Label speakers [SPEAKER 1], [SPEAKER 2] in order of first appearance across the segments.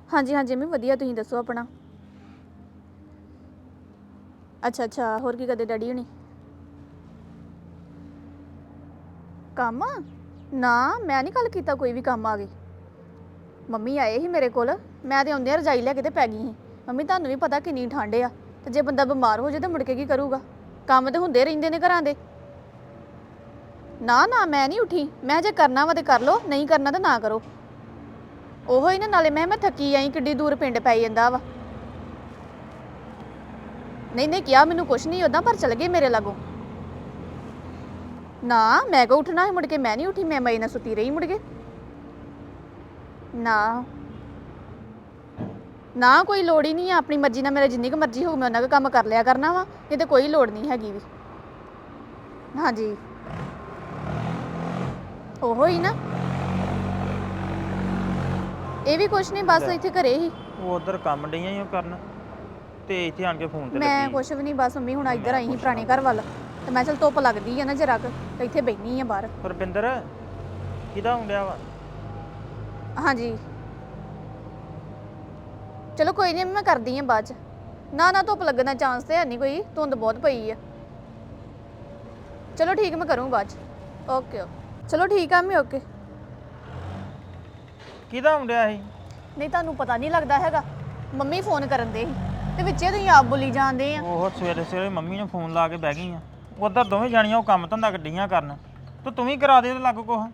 [SPEAKER 1] ਹਾਂਜੀ ਹਾਂਜੀ ਮੈਂ ਵਧੀਆ। ਤੁਸੀਂ ਦੱਸੋ ਆਪਣਾ। ਅੱਛਾ ਅੱਛਾ, ਹੋਰ ਕੀ ਕਰਦੇ ਡੈਡੀ ਹੁਣੀ? ਕੰਮ ਨਾ, ਮੈਂ ਨਹੀਂ ਕੱਲ ਕੀਤਾ ਕੋਈ ਵੀ ਕੰਮ ਆ ਗਈ। ਮੰਮੀ ਆਏ ਸੀ ਮੇਰੇ ਕੋਲ, ਮੈਂ ਤੇ ਆਉਂਦਿਆਂ ਰਜਾਈ ਲੈ ਕੇ ਤੇ ਪੈ ਗਈ ਸੀ। ਮੰਮੀ ਤੁਹਾਨੂੰ ਵੀ ਪਤਾ ਕਿੰਨੀ ਠੰਡ ਆ, ਤੇ ਜੇ ਬੰਦਾ ਬਿਮਾਰ ਹੋ ਜਾਏ ਤਾਂ ਮੁੜ ਕੇ ਕੀ ਕਰੂਗਾ? ਕੰਮ ਤੇ ਹੁੰਦੇ ਰਹਿੰਦੇ ਨੇ ਘਰਾਂ ਦੇ। ਨਾ ਨਾ, ਮੈਂ ਨਹੀਂ ਉੱਠੀ। ਮੈਂ ਜੇ ਕਰਨਾ ਵਾ ਤੇ ਕਰ ਲਓ, ਨਹੀਂ ਕਰਨਾ ਤਾਂ ਨਾ ਕਰੋ। ਉਹੋ ਹੀ ਨਾ, ਨਾਲੇ ਮੈਂ ਥੱਕੀ ਆਈ, ਕਿੱਡੀ ਦੂਰ ਪਿੰਡ ਪੈ ਜਾਂਦਾ ਵਾ। ਨਹੀਂ ਨਹੀਂ, ਕਿਹਾ ਮੈਨੂੰ ਕੁਛ ਨਹੀਂ ਓਦਾਂ, ਪਰ ਚਲ ਗਏ ਮੇਰੇ ਲਾਗੋਂ। ਨਾ, ਮੈਂ ਕਿਉਂ ਉੱਠਣਾ ਸੀ ਮੁੜ ਕੇ? ਮੈਂ ਨਹੀਂ ਉੱਠੀ, ਮੈਂ ਮਈ ਨਾਲ ਸੁੱਤੀ ਰਹੀ ਮੁੜ ਕੇ। ਨਾ ਨਾ, ਕੋਈ ਲੋੜ ਹੀ ਨਹੀਂ ਆ। ਆਪਣੀ ਮਰਜ਼ੀ ਨਾਲ ਮੇਰੇ ਜਿੰਨੀ ਕੁ ਮਰਜ਼ੀ ਹੋਊ ਮੈਂ ਉਹਨਾਂ ਕੁ ਕੰਮ ਕਰ ਲਿਆ ਕਰਨਾ ਵਾ, ਇਹ ਤੇ ਕੋਈ ਲੋੜ ਨਹੀਂ ਹੈਗੀ ਵੀ। ਹਾਂਜੀ, ਉਹੋ ਹੀ ਨਾ। ਇਹ ਵੀ ਕੁਛ ਨਹੀਂ, ਬਸ
[SPEAKER 2] ਲੈ
[SPEAKER 1] ਇੱਥੇ ਘਰੇ ਹੀ।
[SPEAKER 2] ਉਹ ਉਧਰ ਕੰਮ ਡਈਆਂ ਹੀ ਉਹ ਕਰਨ, ਤੇ ਇੱਥੇ ਆਣ ਕੇ ਫੋਨ ਤੇ
[SPEAKER 1] ਮੈਂ
[SPEAKER 2] ਲੱਗੀ
[SPEAKER 1] ਕੁਛ ਵੀ ਨਹੀਂ, ਬਸ ਮੰਮੀ ਹੁਣ
[SPEAKER 2] ਤੇ
[SPEAKER 1] ਇੱਧਰ
[SPEAKER 2] ਮੈਂ
[SPEAKER 1] ਆਈ ਸੀ
[SPEAKER 2] ਪੁੱਛਣਾ
[SPEAKER 1] ਪੁਰਾਣੇ ਘਰ
[SPEAKER 2] ਭਲਾ।
[SPEAKER 1] ਵੱਲ, ਤੇ ਮੈਂ ਚਲ ਧੁੱਪ ਲੱਗਦੀ ਆ ਨਾ ਜਰਾ ਕੁ, ਤੇ ਇੱਥੇ ਬੈਠੀ ਆ ਬਾਹਰ।
[SPEAKER 2] ਰੁਪਿੰਦਰ, ਕਿਹਦਾ ਆਉਣ ਡਿਆ ਵਾ?
[SPEAKER 1] ਹਾਂਜੀ, ਚਲੋ ਕੋਈ ਨਹੀਂ, ਮੈਂ ਕਰਦੀ ਆ ਬਾਅਦ ਚ। ਨਾ ਨਾ, ਧੁੱਪ ਲੱਗਣ ਦਾ ਚਾਂਸ ਤੇ ਹੈ ਨਹੀਂ ਕੋਈ, ਧੁੰਦ ਬਹੁਤ ਪਈ ਆ। ਚਲੋ ਠੀਕ, ਮੈਂ ਕਰੂੰ ਬਾਅਦ ਚ। ਓਕੇ ਓਕੇ, ਚਲੋ ਠੀਕ ਆ ਮੈਂ, ਓਕੇ।
[SPEAKER 2] ਕਿਹਦਾ ਆਉਣ ਡਿਆ ਸੀ?
[SPEAKER 1] ਨਹੀਂ ਤੁਹਾਨੂੰ ਪਤਾ ਨਹੀਂ ਲੱਗਦਾ ਹੈਗਾ, ਮੰਮੀ ਫੋਨ ਕਰਨ ਦੇ ਸੀ, ਤੇ ਵਿੱਚੇ ਤੁਸੀਂ ਆਪ ਬੋਲੀ ਜਾਂਦੇ ਆ।
[SPEAKER 2] ਉਹ ਸਵੇਰੇ ਸਵੇਰੇ ਮੰਮੀ ਨੂੰ ਫੋਨ ਲਾ ਕੇ ਬਹਿ ਗਈ ਆ। ਉਧਰ ਦੋਵੇਂ ਜਾਣੀਆਂ ਉਹ ਕੰਮ ਧੰਦਾ ਗੱਡੀਆਂ ਕਰਨ, ਤੇ ਤੂੰ ਵੀ ਕਰਾ ਦੇ ਤੇ ਲੱਗ ਕੁਛ।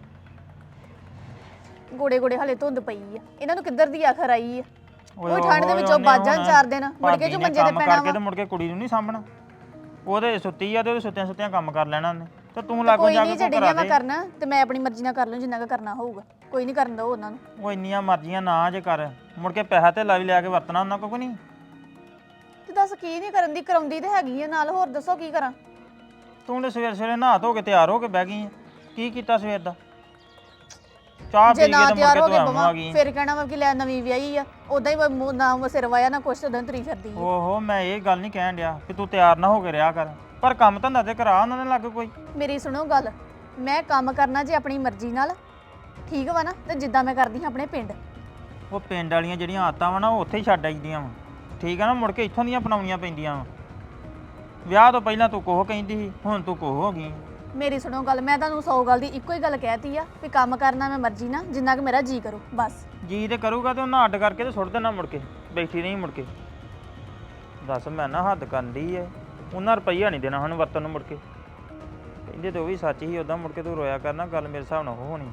[SPEAKER 1] ਗੋੜੇ ਗੋੜੇ ਹਲੇ ਧੁੰਦ ਪਈ ਆ, ਇਹਨਾਂ ਨੂੰ ਕਿੱਧਰ ਦੀ ਆਖਰ ਆਈ ਆ?
[SPEAKER 2] ਓਏ
[SPEAKER 1] ਉਹ ਠੰਡ ਦੇ
[SPEAKER 2] ਓਏ,
[SPEAKER 1] ਵਿੱਚੋਂ
[SPEAKER 2] ਉਹਨੇ
[SPEAKER 1] ਵੱਜ ਜਾਣ
[SPEAKER 2] ਹੁਣ
[SPEAKER 1] 4 ਦਿਨ, ਮੁੜ ਕੇ
[SPEAKER 2] ਭਾਬੀ
[SPEAKER 1] ਜੋ
[SPEAKER 2] ਨੇ
[SPEAKER 1] ਮੰਜੇ ਤੇ
[SPEAKER 2] ਕੰਮ
[SPEAKER 1] ਪੈਣਾ
[SPEAKER 2] ਕਰਕੇ
[SPEAKER 1] ਵਾ।
[SPEAKER 2] ਤੇ ਮੁੜ ਕੇ ਕੁੜੀ ਨੂੰ ਨਹੀਂ ਸਾਂਭਣਾ। ਉਹਦੇ ਸੁੱਤੀ ਆ ਤੇ ਉਹਦੇ ਸੁੱਤਿਆਂ ਸੁੱਤਿਆਂ ਕੰਮ ਕਰ ਲੈਣਾ ਉਹਨੇ, ਤੇ ਤੂੰ
[SPEAKER 1] ਤੇ
[SPEAKER 2] ਲਾਗੋਂ
[SPEAKER 1] ਕੋਈ
[SPEAKER 2] ਜਾ ਕੇ
[SPEAKER 1] ਨਹੀਂ,
[SPEAKER 2] ਕੋ ਕਰਾ
[SPEAKER 1] ਜਿਹੜੀਆਂ ਮੈਂ
[SPEAKER 2] ਦੇ।
[SPEAKER 1] ਕਰਨਾ ਤੇ ਮੈਂ ਆਪਣੀ ਮਰਜ਼ੀ ਨਾਲ ਕਰ ਲੂੰ, ਜਿੰਨਾ ਕੁ ਕਰਨਾ ਹੋਊਗਾ। ਕੋਈ ਨਹੀਂ, ਕਰਨ ਦੋ ਉਹਨਾਂ ਨੂੰ।
[SPEAKER 2] ਉਹ ਇੰਨੀਆਂ ਮਰਜ਼ੀਆਂ ਨਾ ਜੇ ਕਰ, ਮੁੜ ਕੇ ਪੈਸਾ ਤੇ ਵੀ ਲਿਆ ਕੇ ਵਰਤਣਾ ਉਹਨਾਂ ਕੋਲ ਨਹੀਂ।
[SPEAKER 1] ਤੇ ਦੱਸ ਕੀ ਨਹੀਂ ਕਰਨ ਦੀ, ਕਰਾਉਂਦੀ ਤੇ ਹੈਗੀ ਆ ਨਾਲ, ਹੋਰ ਦੱਸੋ ਕੀ ਕਰਾਂ?
[SPEAKER 2] ਤੂੰ ਤੇ ਸਵੇਰੇ ਸਵੇਰੇ ਨਹਾ ਧੋ ਕੇ ਤਿਆਰ ਹੋ ਕੇ ਬਹਿ ਗਈ ਆ। ਕੀ ਕੀਤਾ ਸਵੇਰ ਦਾ? ਚਾਹ
[SPEAKER 1] ਜੇ
[SPEAKER 2] ਪੀ ਕੇ
[SPEAKER 1] ਨਾ
[SPEAKER 2] ਤੇ ਮੁੜ
[SPEAKER 1] ਤਿਆਰ
[SPEAKER 2] ਕੇ
[SPEAKER 1] ਹੋ
[SPEAKER 2] ਤੂੰ
[SPEAKER 1] ਕੇ
[SPEAKER 2] ਐਵੇਂ
[SPEAKER 1] ਬਵਾਂ,
[SPEAKER 2] ਆ ਗਈ।
[SPEAKER 1] ਫਿਰ ਕਹਿਣਾ ਵਾ ਕਿ ਲੈ ਨਵੀਂ ਵਿਆਹੀ ਆ, ਉਦਾਂ ਹੀ ਨਾ ਸਿਰ ਵਾਇਆ ਨਾ ਕੁਛ, ਉਦਾਂ ਤੁਰੀ ਫਿਰਦੀ ਆ।
[SPEAKER 2] ਓਹੋ, ਮੈਂ ਇਹ ਗੱਲ ਨਹੀਂ ਕਹਿਣ ਡਿਆ ਕਿ ਤੂੰ ਤਿਆਰ ਨਾ ਹੋ ਕੇ ਰਿਹਾ ਕਰ, ਪਰ ਕੰਮ ਧੰਦਾ ਤੇ ਕਰਾ ਉਹਨਾਂ ਨੇ ਲੱਗ ਕੋਈ।
[SPEAKER 1] ਮੇਰੀ ਸੁਣੋ ਗੱਲ, ਮੈਂ ਕੰਮ ਕਰਨਾ ਜੇ ਆਪਣੀ ਮਰਜ਼ੀ ਨਾਲ, ਠੀਕ ਵਾ ਨਾ, ਤੇ ਜਿੱਦਾਂ ਮੈਂ ਕਰਦੀ ਹਾਂ ਆਪਣੇ ਪਿੰਡ।
[SPEAKER 2] ਉਹ ਪਿੰਡ ਵਾਲੀਆਂ ਜਿਹੜੀਆਂ ਆਦਤਾਂ ਵਾ ਨਾ, ਉਹ ਉੱਥੇ ਹੀ ਛੱਡ ਆਈਦੀਆਂ ਵਾ। ਠੀਕ ਆ ਨਾ, ਮੁੜ ਕੇ ਇੱਥੋਂ ਦੀਆਂ ਅਪਣਾਉਣੀਆਂ ਪੈਂਦੀਆਂ ਵਾ। ਵਿਆਹ ਤੋਂ ਪਹਿਲਾਂ ਤੂੰ ਕੋਹ ਕਹਿੰਦੀ ਸੀ, ਹੁਣ ਤੂੰ ਕੋਹ ਹੋ ਗਈ।
[SPEAKER 1] ਮੇਰੀ ਸੁਣੋ ਗੱਲ, ਮੈਂ ਤੁਹਾਨੂੰ 100 ਗੱਲ ਦੀ ਇੱਕੋ ਹੀ ਗੱਲ ਕਹਿਤੀ ਆ ਵੀ ਕੰਮ ਕਰਨਾ ਮੈਂ ਮਰਜ਼ੀ ਨਾਲ, ਜਿੰਨਾ ਕਿ ਮੇਰਾ ਜੀ ਕਰੂ ਬਸ।
[SPEAKER 2] ਜੀ ਤੇ ਕਰੂਗਾ ਤੇ ਉਹਨਾਂ ਅੱਡ ਕਰਕੇ ਤੇ ਸੁੱਟ ਦੇਣਾ ਮੁੜ ਕੇ, ਬੈਠੀ ਨਹੀਂ ਮੁੜ ਕੇ। ਦੱਸ, ਮੈਂ ਨਾ ਹੱਦ ਕਰਨ ਡਈ ਐ। ਉਹਨਾਂ ਰੁਪਈਆ ਨਹੀਂ ਦੇਣਾ ਸਾਨੂੰ ਵਰਤਨ ਨੂੰ ਮੁੜ ਕੇ। ਕਹਿੰਦੇ ਤੇ ਉਹ ਵੀ ਸੱਚ ਹੀ, ਉੱਦਾਂ ਮੁੜ ਕੇ ਤੂੰ ਰੋਇਆ ਕਰਨਾ, ਗੱਲ ਮੇਰੇ ਹਿਸਾਬ ਨਾਲ ਉਹ ਹੋਣੀ।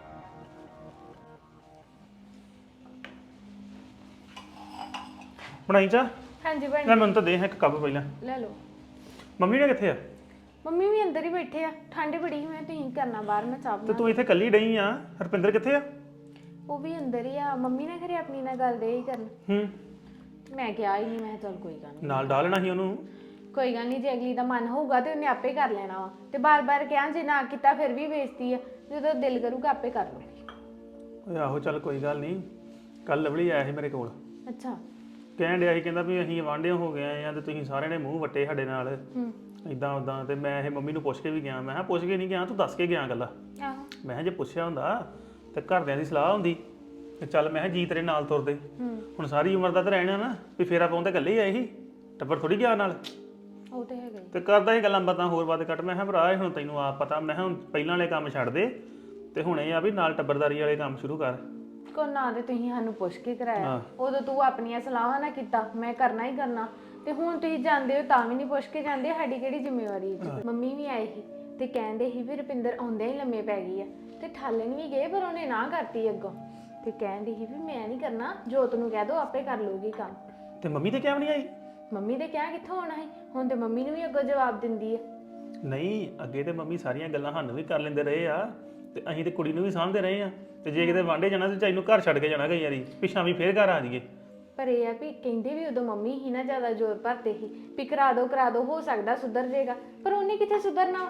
[SPEAKER 3] ਬਣਾਈ ਚਾਹ?
[SPEAKER 4] ਹਾਂਜੀ
[SPEAKER 3] ਲੈ
[SPEAKER 4] ਬਣ
[SPEAKER 3] ਮੈਨੂੰ ਤਾਂ ਦੇ ਇੱਕ ਕੱਪ ਪਹਿਲਾਂ।
[SPEAKER 4] ਲੈ ਲਓ।
[SPEAKER 3] ਮੰਮੀ ਨੇ ਕਿੱਥੇ ਆ?
[SPEAKER 4] ਮੰਮੀ ਵੀ ਅੰਦਰ ਹੀ ਬੈਠੇ ਆ, ਠੰਡ ਬੜੀ ਮੈਂ ਤੁਸੀਂ ਕਰਨਾ ਬਾਹਰ, ਮੈਂ ਚਾਹ
[SPEAKER 3] ਤੇ
[SPEAKER 4] ਬਣਾ।
[SPEAKER 3] ਤੂੰ ਇੱਥੇ ਇਕੱਲੀ ਡਈ ਆ, ਹਰਪਿੰਦਰ ਕਿੱਥੇ ਆ?
[SPEAKER 4] ਉਹ ਵੀ ਅੰਦਰ ਹੀ ਆ, ਮੰਮੀ ਨੇ ਘਰੇ ਆਪਣੀ ਨਾਲ ਗੱਲ ਦੇ ਹੀ ਕਰਨ। ਮੈਂ ਕਿਹਾ ਹੀ ਨਹੀਂ, ਮੈਂ ਕਿਹਾ ਚੱਲ ਕੋਈ ਗੱਲ ਨਹੀਂ,
[SPEAKER 3] ਨਾਲ ਡਾਲਣਾ ਸੀ ਉਹਨੂੰ।
[SPEAKER 4] ਕੋਈ ਗੱਲ ਨਹੀਂ, ਜੇ ਅਗਲੀ ਦਾ ਮਨ ਹੋਊਗਾ ਤੇ ਉਹਨੇ ਆਪੇ ਕਰ ਲੈਣਾ ਵਾ। ਤੇ ਬਾਰ-ਬਾਰ ਕਿਹਾ ਜੇ ਨਾ ਕੀਤਾ ਫਿਰ ਵੀ ਬੇਇੱਜ਼ਤੀ ਆ, ਜਦੋਂ ਦਿਲ ਕਰੂਗਾ ਆਪੇ ਕਰ ਲੂਗੀ।
[SPEAKER 3] ਓਏ ਆਹੋ, ਚੱਲ ਕੋਈ ਗੱਲ ਨਹੀਂ। ਕੱਲ ਲਵਲੀ ਆਇਆ ਸੀ ਮੇਰੇ ਕੋਲ,
[SPEAKER 4] ਅੱਛਾ।
[SPEAKER 3] ਕਹਿਣ ਡਿਆ ਸੀ, ਕਹਿੰਦਾ ਵੀ ਅਸੀਂ ਵਾਂਢੇ ਹੋ ਗਏ ਆ ਤੇ ਤੁਸੀਂ ਸਾਰਿਆਂ ਨੇ ਮੂੰਹ ਵੱਟੇ ਸਾਡੇ ਨਾਲ, ਇਦਾਂ ਉਦਾਂ। ਤੇ ਮੈਂ ਇਹ ਮੰਮੀ ਨੂੰ ਪੁੱਛ ਕੇ ਵੀ ਗਿਆ। ਮੈਂ ਕਿਹਾ ਪੁੱਛ ਕੇ ਨਹੀਂ ਗਿਆ, ਤੂੰ ਦੱਸ ਕੇ ਗਿਆ ਗੱਲਾਂ।
[SPEAKER 4] ਆਹੋ।
[SPEAKER 3] ਮੈਂ ਕਿਹਾ ਜੇ ਪੁੱਛਿਆ ਹੁੰਦਾ ਤੇ ਘਰਦਿਆਂ ਦੀ ਸਲਾਹ ਹੁੰਦੀ ਤੇ ਚੱਲ ਮੈਂ ਕਿਹਾ ਜੀ ਤੇਰੇ ਨਾਲ ਤੁਰਦੇ। ਹੁਣ ਸਾਰੀ ਉਮਰ ਦਾ ਤਾਂ ਰਹਿਣਾ ਨਾ, ਵੀ ਫੇਰਾ ਪਾਉਣ ਤਾਂ ਇਕੱਲੇ ਹੀ ਆਏ ਸੀ, ਟੱਬਰ ਥੋੜੀ ਗਿਆ ਨਾਲ।
[SPEAKER 4] ਉਹ ਤੇ ਹੈਗਾ ਹੀ।
[SPEAKER 3] ਤੇ ਕਰਦਾ ਸੀ ਗੱਲਾਂ ਬਾਤਾਂ ਹੋਰ ਬਾਤ ਕੱਟ। ਮੈਂ ਕਿਹਾ ਭਰਾ ਹੁਣ ਤੈਨੂੰ ਆਪ ਪਤਾ, ਮੈਂ ਕਿਹਾ ਹੁਣ ਪਹਿਲਾਂ ਵਾਲੇ ਕੰਮ ਛੱਡ ਦੇ ਤੇ ਹੁਣ ਇਹ ਆ ਵੀ ਨਾਲ ਟੱਬਰਦਾਰੀ ਵਾਲੇ ਕੰਮ ਸ਼ੁਰੂ ਕਰ।
[SPEAKER 4] ਕੋ ਨਾ ਤੇ ਤੁਸੀਂ ਸਾਨੂੰ ਪੁੱਛ ਕੇ ਕਰਾਇਆ, ਉਦੋਂ ਤੂੰ ਆਪਣੀਆਂ ਸਲਾਹਾਂ ਨਾ ਕੀਤਾ, ਮੈਂ ਕਰਨਾ ਹੀ ਕਰਨਾ। ਤੇ ਹੁਣ ਤੁਸੀਂ ਜਾਂਦੇ ਹੋ ਤਾਂ ਵੀ ਨਹੀਂ ਪੁੱਛ ਕੇ ਜਾਂਦੇ, ਸਾਡੀ ਕਿਹੜੀ ਜ਼ਿੰਮੇਵਾਰੀ ਹੈ? ਮੰਮੀ ਵੀ ਆਈ ਸੀ ਤੇ ਕਹਿੰਦੇ ਸੀ ਵੀ ਰੁਪਿੰਦਰ ਆਉਂਦਿਆਂ ਹੀ ਲੰਮੇ ਪੈ ਗਈ ਆ, ਤੇ ਠਾਲਣ ਵੀ ਗਏ ਪਰ ਉਹਨੇ ਨਾ ਕਰਤੀ ਅੱਗੋਂ। ਤੇ ਕਹਿੰਦੀ ਸੀ ਵੀ ਮੈਂ ਨਹੀਂ ਕਰਨਾ, ਜੋਤ ਨੂੰ ਕਹਿ ਦੋ ਆਪੇ ਕਰ ਲੂਗੀ ਕੰਮ।
[SPEAKER 3] ਤੇ ਮੰਮੀ ਤੇ ਕਿਉਂ ਨਹੀਂ ਆਈ?
[SPEAKER 4] ਮੰਮੀ ਦੇ ਕਿਹਾ ਕਿੱਥੋਂ ਆਉਣਾ ਸੀ, ਹੁਣ ਤੇ ਮੰਮੀ ਨੂੰ ਵੀ ਅੱਗੋਂ ਜਵਾਬ ਦਿੰਦੀ ਹੈ।
[SPEAKER 3] ਨਹੀਂ, ਅੱਗੇ ਤੇ ਮੰਮੀ ਸਾਰੀਆਂ ਗੱਲਾਂ ਸਾਨੂੰ ਵੀ ਕਰ ਲੈਂਦੇ ਰਹੇ ਆ, ਤੇ ਅਸੀਂ ਤੇ ਕੁੜੀ ਨੂੰ ਵੀ ਸਾਂਭਦੇ ਰਹੇ ਆ। ਤੇ ਜੇ ਕਿਤੇ ਵਾਂਢੇ ਜਾਣਾ ਤੇ ਚਾਈ ਨੂੰ ਘਰ ਛੱਡ ਕੇ ਜਾਣਾ ਕਈ ਵਾਰੀ, ਪਿੱਛਾਂ ਵੀ ਫੇਰ ਘਰ ਆ ਜਾਈਏ।
[SPEAKER 4] ਪਰ ਇਹ ਆ ਵੀ ਕਹਿੰਦੇ ਵੀ ਉਦੋਂ ਮੰਮੀ ਹੀ ਨਾ ਜ਼ਿਆਦਾ ਜ਼ੋਰ ਭਰਦੇ ਸੀ ਵੀ ਕਰਾ ਦੋ, ਹੋ ਸਕਦਾ ਸੁਧਰ ਜਾਏਗਾ, ਪਰ ਉਹਨੇ ਕਿੱਥੇ ਸੁਧਰਨਾ।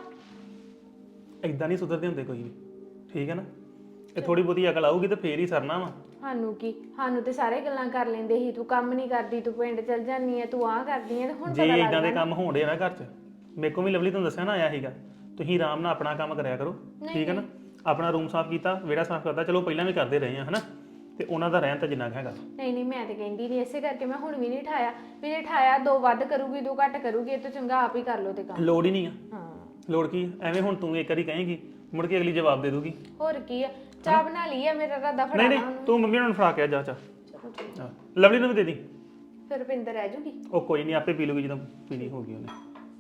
[SPEAKER 3] ਇਦਾਂ ਨਹੀਂ ਸੁਧਰਦੇ ਹੁੰਦੇ ਕੋਈ ਵੀ, ਠੀਕ ਹੈ ਨਾ? ਇਹ ਥੋੜੀ ਬਹੁਤੀ ਅਕਲ ਆਊਗੀ ਤੇ ਫੇਰ ਹੀ ਸਰਨਾ ਵਾ।
[SPEAKER 4] ਸਾਨੂੰ ਕੀ, ਸਾਨੂੰ ਤੇ ਸਾਰੇ ਗੱਲਾਂ ਕਰ ਲੈਂਦੇ ਸੀ, ਤੂੰ ਕੰਮ ਨਹੀਂ ਕਰਦੀ, ਤੂੰ ਪਿੰਡ ਚਲ ਜਾਂਦੀ ਹੈ, ਤੂੰ ਆਹ ਕਰਦੀ ਹੈ, ਤੇ ਹੁਣ
[SPEAKER 3] ਜੇ
[SPEAKER 4] ਪਤਾ
[SPEAKER 3] ਇਦਾਂ ਦੇ
[SPEAKER 4] ਲੱਗਦਾ।
[SPEAKER 3] ਕੰਮ ਹੋਣ ਡੇ ਨਾ ਘਰ 'ਚ, ਮੇਰੇ ਕੋਲ ਵੀ ਲਵਲੀ ਤੁਹਾਨੂੰ ਦੱਸਿਆ ਨਾ ਆਇਆ ਸੀਗਾ, ਤੁਸੀਂ ਆਰਾਮ ਨਾਲ ਆਪਣਾ ਕੰਮ ਕਰਿਆ ਕਰੋ, ਠੀਕ ਹੈ ਨਾ? ਆਪਣਾ ਰੂਮ ਸਾਫ਼ ਕੀਤਾ, ਵਿਹੜਾ ਸਾਫ਼ ਕਰਦਾ, ਚਲੋ ਪਹਿਲਾਂ ਵੀ ਕਰਦੇ ਰਹੇ ਆ, ਹਨਾ? ਤੇ ਉਹਨਾਂ ਦਾ ਰਹਿਣ ਤਾਂ ਜਿੰਨਾ ਕੁ ਹੈਗਾ।
[SPEAKER 4] ਨਹੀਂ ਨਹੀਂ ਮੈਂ ਤੇ ਕਹਿੰਦੀ ਨਹੀਂ, ਇਸੇ ਕਰਕੇ ਮੈਂ ਹੁਣ ਵੀ ਨਹੀਂ ਠਾਇਆ ਵੀ ਜੇ ਠਾਇਆ 2 ਵੱਧ ਕਰੂਗੀ 2 ਘੱਟ ਕਰੂਗੀ, ਇਹ ਤੋਂ ਚੰਗਾ ਆਪ ਹੀ ਕਰ ਲਓ ਤੇ ਕੰਮ।
[SPEAKER 3] ਲੋੜ ਹੀ ਨਹੀਂ ਆ।
[SPEAKER 4] ਹਾਂ
[SPEAKER 3] ਲੋੜ ਕੀ ਆ? ਐਵੇਂ ਹੁਣ ਤੂੰ ਇੱਕ ਵਾਰੀ ਕਹੇਂਗੀ ਮੁੜ ਕੇ ਅਗਲੀ ਜਵਾਬ ਦੇ ਦੂਗੀ।
[SPEAKER 4] ਹੋਰ ਕੀ ਆ, ਚਾਹ ਬਣਾ ਲਈ ਆ, ਮੇਰਾ ਰਾਦਾ
[SPEAKER 3] ਨਹੀਂ
[SPEAKER 4] ਫੜਾਣਾ
[SPEAKER 3] ਨਹੀਂ
[SPEAKER 4] ਉਹਨੂੰ।
[SPEAKER 3] ਤੂੰ ਮੰਮੀ ਨੂੰ ਫੜਾ ਕੇ ਆ ਜਾ ਚਾ।
[SPEAKER 4] ਚਲੋ ਠੀਕ,
[SPEAKER 3] ਹਾਂ ਲਵਲੀ ਨੂੰ ਵੀ ਦੇ ਦੀ।
[SPEAKER 4] ਫਿਰ ਰੁਪਿੰਦਰ ਰਹਿ ਜੂਗੀ।
[SPEAKER 3] ਉਹ ਕੋਈ ਨਹੀਂ ਆਪੇ ਪੀ ਲੂਗੀ ਜਦੋਂ ਪੀਣੀ ਹੋਗੀ ਉਹਨੇ।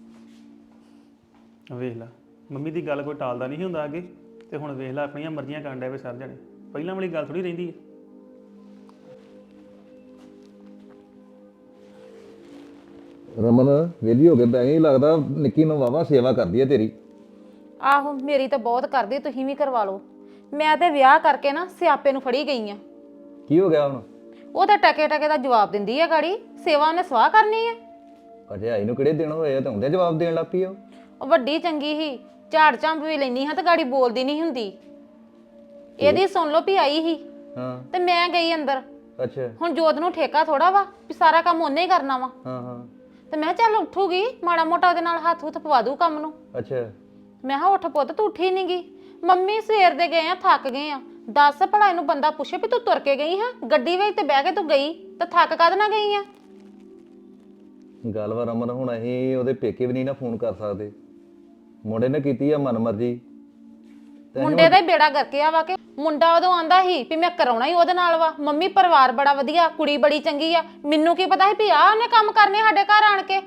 [SPEAKER 3] ਵੇਖ ਲੈ ਮੰਮੀ ਦੀ ਗੱਲ ਕੋਈ ਟਾਲਦਾ ਨਹੀਂ ਹੁੰਦਾ ਅੱਗੇ, ਤੇ ਹੁਣ ਵੇਖ ਲੈ ਆਪਣੀਆਂ ਮਰਜ਼ੀਆਂ ਕਰਨ ਡਿਆ ਵੇ ਸਰ ਜਾਣੇ। ਪਹਿਲਾਂ ਵਾਲੀ ਗੱਲ ਥੋੜੀ ਰਹਿੰਦੀ ਹੈ।
[SPEAKER 5] ਰਮਨ ਵਿਹਲੀ ਹੋ ਕੇ ਬੈ ਗਈ, ਲੱਗਦਾ ਨਿੱਕੀ ਨੂੰ ਵਾਵਾ ਸੇਵਾ ਕਰਦੀ ਹੈ ਤੇਰੀ।
[SPEAKER 6] ਆਹੋ ਮੇਰੀ ਤਾਂ ਬਹੁਤ ਕਰਦੀ, ਤੁਸੀਂ ਵੀ ਕਰਵਾ ਲਓ। ਮੈਂ ਤੇ ਵਿਆਹ ਕਰਕੇ ਨਾ ਸਿਆਪੇ ਨੂੰ ਫੜੀ ਗਈ ਆ।
[SPEAKER 5] ਕੀ ਹੋ ਗਿਆ ਹੁਣ?
[SPEAKER 6] ਉਹ ਤਾਂ ਟਕੇ ਟਕੇ ਦਾ ਜਵਾਬ ਦਿੰਦੀ ਆ ਗਾੜੀ, ਸੇਵਾ ਉਹਨੇ ਸਵਾਹ ਕਰਨੀ ਆ।
[SPEAKER 5] ਭਰਜਾਈ ਨੂੰ ਕਿਹੜੇ ਦਿਨ ਹੋਏ ਆ ਤੇ ਹੁੰਦੇ ਜਵਾਬ ਦੇਣ ਲੱਗ ਪਈ ਉਹ।
[SPEAKER 6] ਉਹ ਵੱਡੀ ਚੰਗੀ ਹੀ, ਝਾੜ ਝੰਬ ਵੀ ਲੈਣੀ ਹਾਂ ਤੇ ਗਾੜੀ ਬੋਲਦੀ ਨਹੀਂ ਹੁੰਦੀ। ਇਹਦੀ ਸੁਣ ਲਓ ਵੀ ਆਈ ਹੀ
[SPEAKER 5] ਹਾਂ
[SPEAKER 6] ਤੇ ਮੈਂ ਗਈ ਅੰਦਰ।
[SPEAKER 5] ਅੱਛਾ
[SPEAKER 6] ਹੁਣ ਜੋਤ ਨੂੰ ਠੇਕਾ ਥੋੜਾ ਵਾ ਵੀ ਸਾਰਾ ਕੰਮ ਉਹਨੇ ਹੀ ਕਰਨਾ ਵਾ।
[SPEAKER 5] ਹਾਂ ਹਾਂ
[SPEAKER 6] ਤੇ ਮੈਂ ਕਿਹਾ ਚੱਲ ਉੱਠੂਗੀ, ਮਾੜਾ ਮੋਟਾ ਉਹਦੇ ਨਾਲ ਹੱਥ ਹੁੱਥ ਪਵਾ ਦੂ ਕੰਮ ਨੂੰ।
[SPEAKER 5] ਅੱਛਾ
[SPEAKER 6] ਮੈਂ ਕਿਹਾ ਉੱਠ ਪੁੱਤ, ਤੂੰ ਉੱਠੀ ਨੀ ਗੀ। ਮੰਮੀ ਸਵੇਰ ਦੇ ਗਏ ਆ, ਥੱਕ ਗਏ ਆ। ਦੱਸ ਭਲਾ ਇਹਨੂੰ ਬੰਦਾ ਪੁੱਛੇ ਵੀ ਤੂੰ ਤੁਰ ਕੇ ਗਈ ਹਾਂ, ਗੱਡੀ ਵਿੱਚ ਤੇ ਬਹਿ ਕੇ ਤੂੰ ਗਈ ਤਾਂ ਥੱਕ ਕਦ ਨਾ ਗਈ ਆ।
[SPEAKER 5] ਗੱਲ ਵਾ ਰਮਨ, ਹੁਣ ਅਸੀਂ ਉਹਦੇ ਪੇਕੇ ਵੀ ਨਹੀਂ ਨਾ ਫੋਨ ਕਰ ਸਕਦੇ। ਮੁੰਡੇ ਨੇ ਕੀਤੀ ਆ ਮਨਮਰਜ਼ੀ।
[SPEAKER 6] ਮੁੰਡੇ ਦਾ ਹੀ ਬੇੜਾ ਕਰਕੇ ਆ ਵਾ ਕੇ ਮੁੰਡਾ ਉਦੋਂ ਆਂਦਾ ਸੀ ਵੀ ਮੈਂ ਕਰਾਉਣਾ ਹੀ ਉਹਦੇ ਨਾਲ ਵਾ। ਮੰਮੀ ਪਰਿਵਾਰ ਬੜਾ ਵਧੀਆ, ਕੁੜੀ ਬੜੀ ਚੰਗੀ ਆ। ਮੈਨੂੰ ਕੀ ਪਤਾ ਸੀ ਵੀ ਆ ਉਹਨੇ ਕੰਮ ਕਰਨੇ ਸਾਡੇ ਘਰ ਆਣ ਕੇ।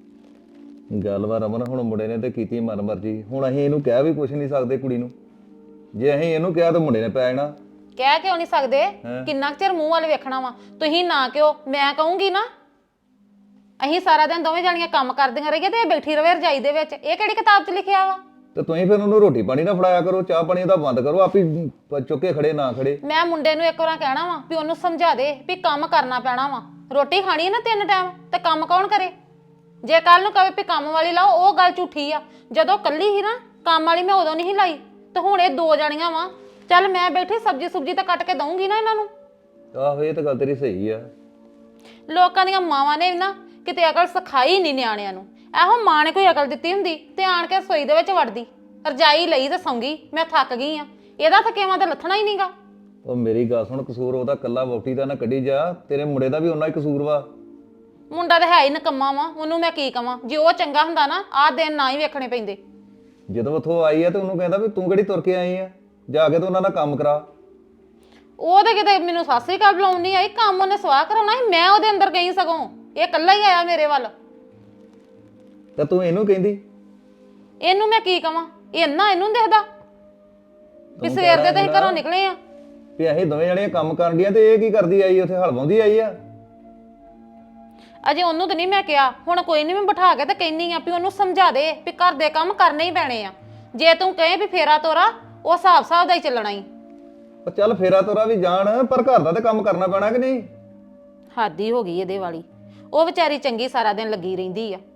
[SPEAKER 5] ਗੱਲ ਵਾ ਰਮਨ, ਹੁਣ ਮੁੰਡੇ ਨੇ ਤੇ ਕੀਤੀ ਮਨਮਰਜ਼ੀ। ਹੁਣ ਅਸੀਂ ਇਹਨੂੰ ਕਹਿ ਵੀ ਕੁਛ ਨਹੀਂ ਸਕਦੇ ਕੁੜੀ ਨੂੰ। ਜੇ ਅਸੀਂ ਇਹਨੂੰ ਕਿਹਾ ਤਾਂ ਮੁੰਡੇ ਨੇ ਪੈ ਜਾਣਾ।
[SPEAKER 6] ਕਹਿ ਕਿਉਂ ਨਹੀਂ ਸਕਦੇ? ਕਿੰਨਾ ਕੁ ਚਿਰ ਮੂੰਹ ਵੱਲ ਵੇਖਣਾ ਵਾ? ਤੁਸੀਂ ਨਾ ਕਿਉਂ, ਮੈਂ ਕਹੂੰਗੀ ਨਾ। ਅਸੀਂ ਸਾਰਾ ਦਿਨ ਦੋਵੇਂ ਜਾਣੀਆਂ ਕੰਮ ਕਰਦੀਆਂ ਰਹੀਏ ਤੇ ਇਹ ਬੈਠੀ ਰਵੇ ਰਜਾਈ ਦੇ ਵਿੱਚ। ਇਹ ਕਿਹੜੀ ਕਿਤਾਬ 'ਚ ਲਿਖਿਆ ਵਾ?
[SPEAKER 5] ਤੇ ਤੁਸੀਂ ਫਿਰ ਉਹਨੂੰ ਰੋਟੀ ਪਾਣੀ ਨਾ ਫੜਾਇਆ ਕਰੋ, ਚਾਹ ਪਾਣੀ ਉਹਦਾ ਬੰਦ ਕਰੋ, ਆਪੀ ਚੁੱਕੇ ਖੜੇ ਨਾ ਖੜੇ।
[SPEAKER 6] ਮੈਂ ਮੁੰਡੇ ਨੂੰ ਇੱਕ ਵਾਰ ਕਹਿਣਾ ਵਾ ਵੀ ਉਹਨੂੰ ਸਮਝਾ ਦੇ ਵੀ ਕੰਮ ਕਰਨਾ ਪੈਣਾ ਵਾ। ਰੋਟੀ ਖਾਣੀ ਹੈ ਨਾ 3 ਟਾਈਮ, ਤੇ ਕੰਮ ਕੌਣ ਕਰੇ? ਜੇ ਕੱਲ ਨੂੰ ਕਵੇ ਵੀ ਕੰਮ ਵਾਲੀ ਲਾਓ, ਉਹ ਗੱਲ ਝੂਠੀ ਆ। ਜਦੋਂ ਕੱਲੀ ਸੀ ਨਾ ਕੰਮ ਵਾਲੀ, ਮੈਂ ਉਦੋਂ ਨਹੀਂ ਲਾਈ। ਤੇ ਹੁਣ ਇਹ 2 ਜਾਣੀਆਂ ਵਾ। ਚੱਲ ਮੈਂ ਬੈਠੀ ਸਬਜ਼ੀ ਸੁਬਜੀ ਤਾਂ ਕੱਟ ਕੇ ਦਊਂਗੀ ਨਾ ਇਹਨਾਂ ਨੂੰ।
[SPEAKER 5] ਆਹੋ ਇਹ ਤਾਂ ਗੱਲ ਤੇਰੀ ਸਹੀ ਆ।
[SPEAKER 6] ਲੋਕਾਂ ਦੀਆਂ ਮਾਵਾਂ ਨੇ ਨਾ ਕਿਤੇ ਅਕਲ ਸਿਖਾਈ ਨਹੀਂ ਨਿਆਣਿਆਂ ਨੂੰ। ਇਹੋ ਮਾਂ ਨੇ ਕੋਈ ਅਕਲ ਦਿੱਤੀ ਹੁੰਦੀ ਤੇ ਆਣ ਕੇ ਰਸੋਈ ਦੇ ਵਿੱਚ ਵੜਦੀ, ਰਜਾਈ ਲਈ ਤੇ ਸੌਂਗੀ, ਮੈਂ ਥੱਕ ਗਈ ਆ। ਇਹਦਾ ਥਕੇਵਾਂ ਤਾਂ ਲੱਥਣਾ ਹੀ ਨਹੀਂਗਾ।
[SPEAKER 5] ਉਹ ਮੇਰੀ ਗੱਲ ਸੁਣ, ਕਸੂਰ ਉਹਦਾ ਕੱਲਾ ਵੋਟੀ ਦਾ ਨਾ ਕੱਢੀ ਜਾ, ਤੇਰੇ ਮੁੰਡੇ ਦਾ ਵੀ ਉਹਨਾਂ ਹੀ ਕਸੂਰ ਵਾ।
[SPEAKER 6] ਮੁੰਡਾ ਤਾਂ ਹੈ ਹੀ ਨਕੰਮਾ ਵਾ, ਉਹਨੂੰ ਮੈਂ ਕੀ ਕਵਾਂ? ਜੇ ਉਹ ਚੰਗਾ ਹੁੰਦਾ ਨਾ ਆਹ ਦਿਨ ਨਾ ਹੀ ਵੇਖਣੇ ਪੈਂਦੇ।
[SPEAKER 5] ਜਦੋਂ ਉੱਥੋਂ ਆਈ ਆ ਤੇ ਉਹਨੂੰ ਕਹਿੰਦਾ ਵੀ ਤੂੰ ਕਿਹੜੀ ਤੁਰ ਕੇ ਆਈ ਆ, ਜਾ ਕੇ ਤੇ ਉਹਨਾਂ ਦਾ ਕੰਮ ਕਰਾ।
[SPEAKER 6] ਉਹ ਤਾਂ ਕਿਤੇ ਮੈਨੂੰ ਸਾਸਰੀ ਕਾਲ ਬੁਲਾਉਣ ਨਹੀਂ ਆਈ, ਕੰਮ ਉਹਨੇ ਸਵਾਹ ਕਰਾਉਣਾ ਸੀ। ਮੈਂ ਉਹਦੇ ਅੰਦਰ ਗਈ, ਸਗੋਂ ਇਹ ਇਕੱਲਾ ਹੀ ਆਇਆ ਮੇਰੇ ਵੱਲ।
[SPEAKER 5] ਤਾਂ ਤੂੰ ਇਹਨੂੰ ਕਹਿੰਦੀ?
[SPEAKER 6] ਇਹਨੂੰ ਮੈਂ ਕੀ ਕਵਾਂ? ਇਹ ਇੰਨਾ ਇਹਨੂੰ ਦਿਖਦਾ ਵੀ ਸਵੇਰ ਦੇ ਤਾਂ ਅਸੀਂ ਘਰੋਂ ਨਿਕਲੇ ਆ।
[SPEAKER 5] ਵੀ ਅਸੀਂ ਦੋਵੇਂ ਜਣੀਆਂ ਕੰਮ ਕਰਨ ਡੀਆਂ ਤੇ ਇਹ ਕੀ ਕਰਦੀ ਆਈ ਉੱਥੇ, ਹਲਵਾਉਂਦੀ ਆਈ ਆ।
[SPEAKER 6] ਅਜੇ ਉਹਨੂੰ ਤਾਂ ਨਹੀਂ ਮੈਂ ਕਿਹਾ। ਹੁਣ ਕੋਈ ਨਹੀਂ, ਮੈਂ ਬਿਠਾ ਕੇ ਤਾਂ ਕਹਿੰਨੀ ਆ ਵੀ ਉਹਨੂੰ ਸਮਝਾ ਦੇ ਵੀ ਘਰ ਦੇ ਕੰਮ ਕਰਨੇ ਹੀ ਪੈਣੇ ਆ। ਜੇ ਤੂੰ ਕਹੇ ਵੀ ਫੇਰਾ ਤੋਰਾ, ਉਹ ਹਿਸਾਬ ਦਾ ਹੀ ਚੱਲਣਾ ਹੀ।
[SPEAKER 5] ਉਹ ਚੱਲ ਫੇਰਾ ਤੋਰਾ ਵੀ ਜਾਣ, ਪਰ ਘਰ ਦਾ ਤੇ ਕੰਮ ਕਰਨਾ ਪੈਣਾ ਕਿ ਨਹੀਂ?
[SPEAKER 6] ਹੱਦ ਹੀ ਹੋ ਗਈ ਇਹਦੇ ਵਾਲੀ। ਉਹ ਵਿਚਾਰੀ ਚੰਗੀ ਸਾਰਾ ਦਿਨ ਲੱਗੀ ਰਹਿੰਦੀ ਆ।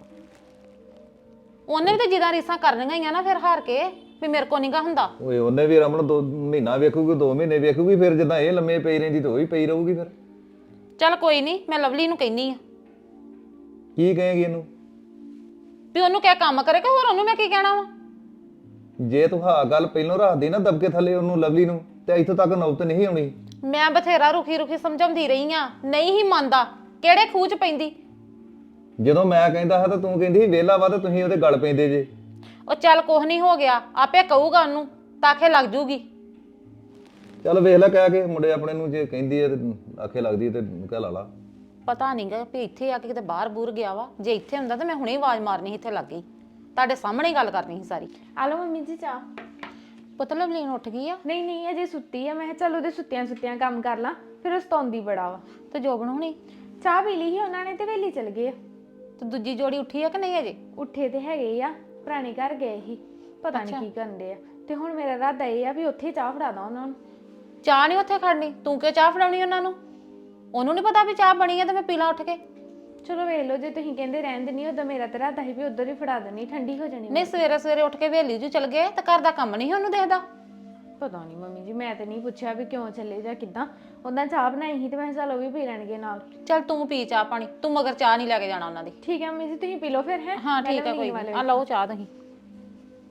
[SPEAKER 6] ਉਹਨੇ ਵੀ ਤਾਂ ਜਿੱਦਾਂ ਰੀਸਾਂ ਕਰਨੀਆਂ ਹੀ ਆ ਨਾ ਫਿਰ ਹਾਰ ਕੇ, ਵੀ ਮੇਰੇ ਕੋ ਨਹੀਂਗਾ ਹੁੰਦਾ।
[SPEAKER 5] ਓਏ ਉਹਨੇ ਵੀ ਰਮਨ 2 ਮਹੀਨਾ ਵੇਖੂਗੀ, 2 ਮਹੀਨੇ ਵੇਖੂਗੀ, ਫਿਰ ਜਿੱਦਾਂ ਇਹ ਲੰਮੇ ਪਈ ਰਹਿੰਦੀ ਤੇ ਉਹ ਵੀ ਪਈ ਰਹੂਗੀ। ਫਿਰ
[SPEAKER 6] ਚੱਲ ਕੋਈ ਨਹੀਂ, ਮੈਂ ਲਵਲੀ ਨੂੰ ਕਹਿੰਨੀ ਆ
[SPEAKER 5] ਕੀ ਕਹੇਗੀ ਇਹਨੂੰ?
[SPEAKER 6] ਵੀ ਉਹਨੂੰ ਕਹਿ ਕੰਮ ਕਰੇ, ਕਿ ਹੋਰ ਉਹਨੂੰ ਮੈਂ ਕੀ ਕਹਿਣਾ ਵਾ?
[SPEAKER 5] ਜੇ ਤੂੰ ਹਾਂ ਗੱਲ ਪਹਿਲੋਂ ਰੱਖਦੀ ਨਾ ਦਬਕੇ ਥੱਲੇ ਉਹਨੂੰ, ਲਵਲੀ ਨੂੰ, ਤੇ ਇੱਥੋਂ ਤੱਕ ਨੌਬਤ ਨਹੀਂ ਆਉਣੀ।
[SPEAKER 6] ਮੈਂ ਬਥੇਰਾ ਰੁਖੀ ਸਮਝਾਉਂਦੀ ਰਹੀ ਆ, ਨਹੀਂ ਹੀ ਮੰਨਦਾ। ਕਿਹੜੇ ਖੂਹ 'ਚ ਪੈਂਦੀ?
[SPEAKER 5] ਜਦੋਂ ਮੈਂ ਕਹਿੰਦਾ ਹਾਂ ਤਾਂ ਤੂੰ ਕਹਿੰਦੀ ਸੀ ਵਿਹਲਾ ਵਾ, ਤੇ ਤੁਸੀਂ ਉਹਦੇ ਗਲ ਪੈਂਦੇ ਜੇ।
[SPEAKER 6] ਉਹ ਚੱਲ ਕੁਛ ਨਹੀਂ ਹੋ ਗਿਆ, ਆਪੇ ਕਹੂਗਾ ਉਹਨੂੰ, ਤਾਖੇ ਲੱਗ ਜੂਗੀ।
[SPEAKER 5] ਚੱਲ ਵੇਖ ਲੈ ਕਹਿ ਕੇ ਮੁੰਡੇ ਆਪਣੇ ਨੂੰ, ਜੇ ਕਹਿੰਦੀ ਹੈ ਤੇ ਆਖੇ ਲੱਗਦੀ ਹੈ ਤੇ ਕਹਿ ਲਾ ਲਾ।
[SPEAKER 6] ਪਤਾ ਨਹੀਂਗਾ ਵੀ ਇੱਥੇ ਆ ਕੇ ਕਿਤੇ ਬਾਹਰ ਬੂਰ ਗਿਆ ਵਾ। ਜੇ ਇੱਥੇ ਹੁੰਦਾ ਤਾਂ ਮੈਂ ਹੁਣੇ ਆਵਾਜ਼ ਮਾਰਨੀ ਸੀ, ਇੱਥੇ ਲੱਗ ਗਈ ਤੁਹਾਡੇ ਸਾਹਮਣੇ ਹੀ ਗੱਲ ਕਰਨੀ ਸੀ ਸਾਰੀ।
[SPEAKER 4] ਆ ਲਓ ਮੰਮੀ ਜੀ ਚਾਹ।
[SPEAKER 6] ਪੁੱਤ ਲਵਲੀਨ ਉੱਠ ਗਈ ਆ?
[SPEAKER 4] ਨਹੀਂ ਨਹੀਂ ਅਜੇ ਸੁੱਤੀ ਆ। ਮੈਂ ਕਿਹਾ ਚੱਲ ਉਹਦੇ ਸੁੱਤਿਆਂ ਕੰਮ ਕਰ ਲਾਂ, ਫਿਰ ਉਹ ਸਤਾਉਂਦੀ ਬੜਾ ਵਾ।
[SPEAKER 6] ਤੇ ਜੋਬਨ ਹੁਣੀ
[SPEAKER 4] ਚਾਹ ਪੀ ਲਈ ਸੀ ਉਹਨਾਂ ਨੇ ਤੇ ਵੇਲੀ ਚਲ ਗਏ ਆ।
[SPEAKER 6] ਤੇ ਦੂਜੀ ਜੋੜੀ ਉੱਠੀ ਆ ਕਿ ਨਹੀਂ ਅਜੇ?
[SPEAKER 4] ਉੱਠੇ ਤੇ ਹੈਗੇ ਆ, ਪੁਰਾਣੇ ਘਰ ਗਏ ਸੀ, ਪਤਾ ਨਹੀਂ ਕੀ ਕਰਦੇ ਆ। ਤੇ ਹੁਣ ਮੇਰਾ ਇਰਾਦਾ ਇਹ ਆ ਵੀ ਉੱਥੇ ਚਾਹ ਫੜਾ ਦਾਂ ਉਹਨਾਂ ਨੂੰ।
[SPEAKER 6] ਚਾਹ ਨਹੀਂ ਉੱਥੇ ਖੜਨੀ, ਤੂੰ ਕਿਉਂ ਚਾਹ ਫੜਾਉਣੀ ਉਹਨਾਂ ਨੂੰ? ਉਹਨੂੰ ਨਹੀਂ ਪਤਾ ਵੀ ਚਾਹ ਬਣੀ ਆ ਤੇ ਮੈਂ ਪੀ ਲਾਂ ਉੱਠ ਕੇ?
[SPEAKER 4] ਚਲੋ ਵੇਖ ਲਓ, ਜੇ ਤੁਸੀਂ ਕਹਿੰਦੇ ਰਹਿਣ ਦੇਣੀ, ਉਦੋਂ ਮੇਰਾ ਤਾਂ ਇਰਾਦਾ ਸੀ ਵੀ ਉਧਰ ਹੀ ਫੜਾ ਦੇਣੀ, ਠੰਡੀ ਹੋ ਜਾਣੀ।
[SPEAKER 6] ਨਹੀਂ ਸਵੇਰੇ ਸਵੇਰੇ ਉੱਠ ਕੇ ਵੇਲੀ ਜੂ ਚਲ ਗਏ ਤਾਂ ਘਰ ਦਾ ਕੰਮ ਨਹੀਂ ਉਹਨੂੰ ਦੇਖਦਾ।
[SPEAKER 4] ਪਤਾ ਨਹੀਂ ਮੰਮੀ ਜੀ, ਮੈਂ ਤੇ ਨਹੀਂ ਪੁੱਛਿਆ ਵੀ ਕਿਉਂ ਚੱਲੇ ਜਾਂ ਕਿੱਦਾਂ। ਉਹਨਾਂ ਚਾਹ ਬਣਾਈ ਸੀ ਤੇ ਮੈਂ ਕਿਹਾ ਚੱਲ ਉਹ ਵੀ ਪੀ ਲੈਣਗੇ ਨਾਲ।
[SPEAKER 6] ਚੱਲ ਤੂੰ ਪੀ ਚਾਹ ਪਾਣੀ, ਤੂੰ ਮਗਰ ਚਾਹ ਨਹੀਂ ਲੈ ਕੇ ਜਾਣਾ ਉਹਨਾਂ ਦੀ।
[SPEAKER 4] ਠੀਕ ਹੈ ਮੰਮੀ ਜੀ, ਤੁਸੀਂ ਪੀ ਲਓ ਫਿਰ। ਹੈ
[SPEAKER 6] ਹਾਂ ਠੀਕ ਹੈ, ਕੋਈ ਨਹੀਂ। ਆ ਲਓ ਚਾਹ ਤੁਸੀਂ।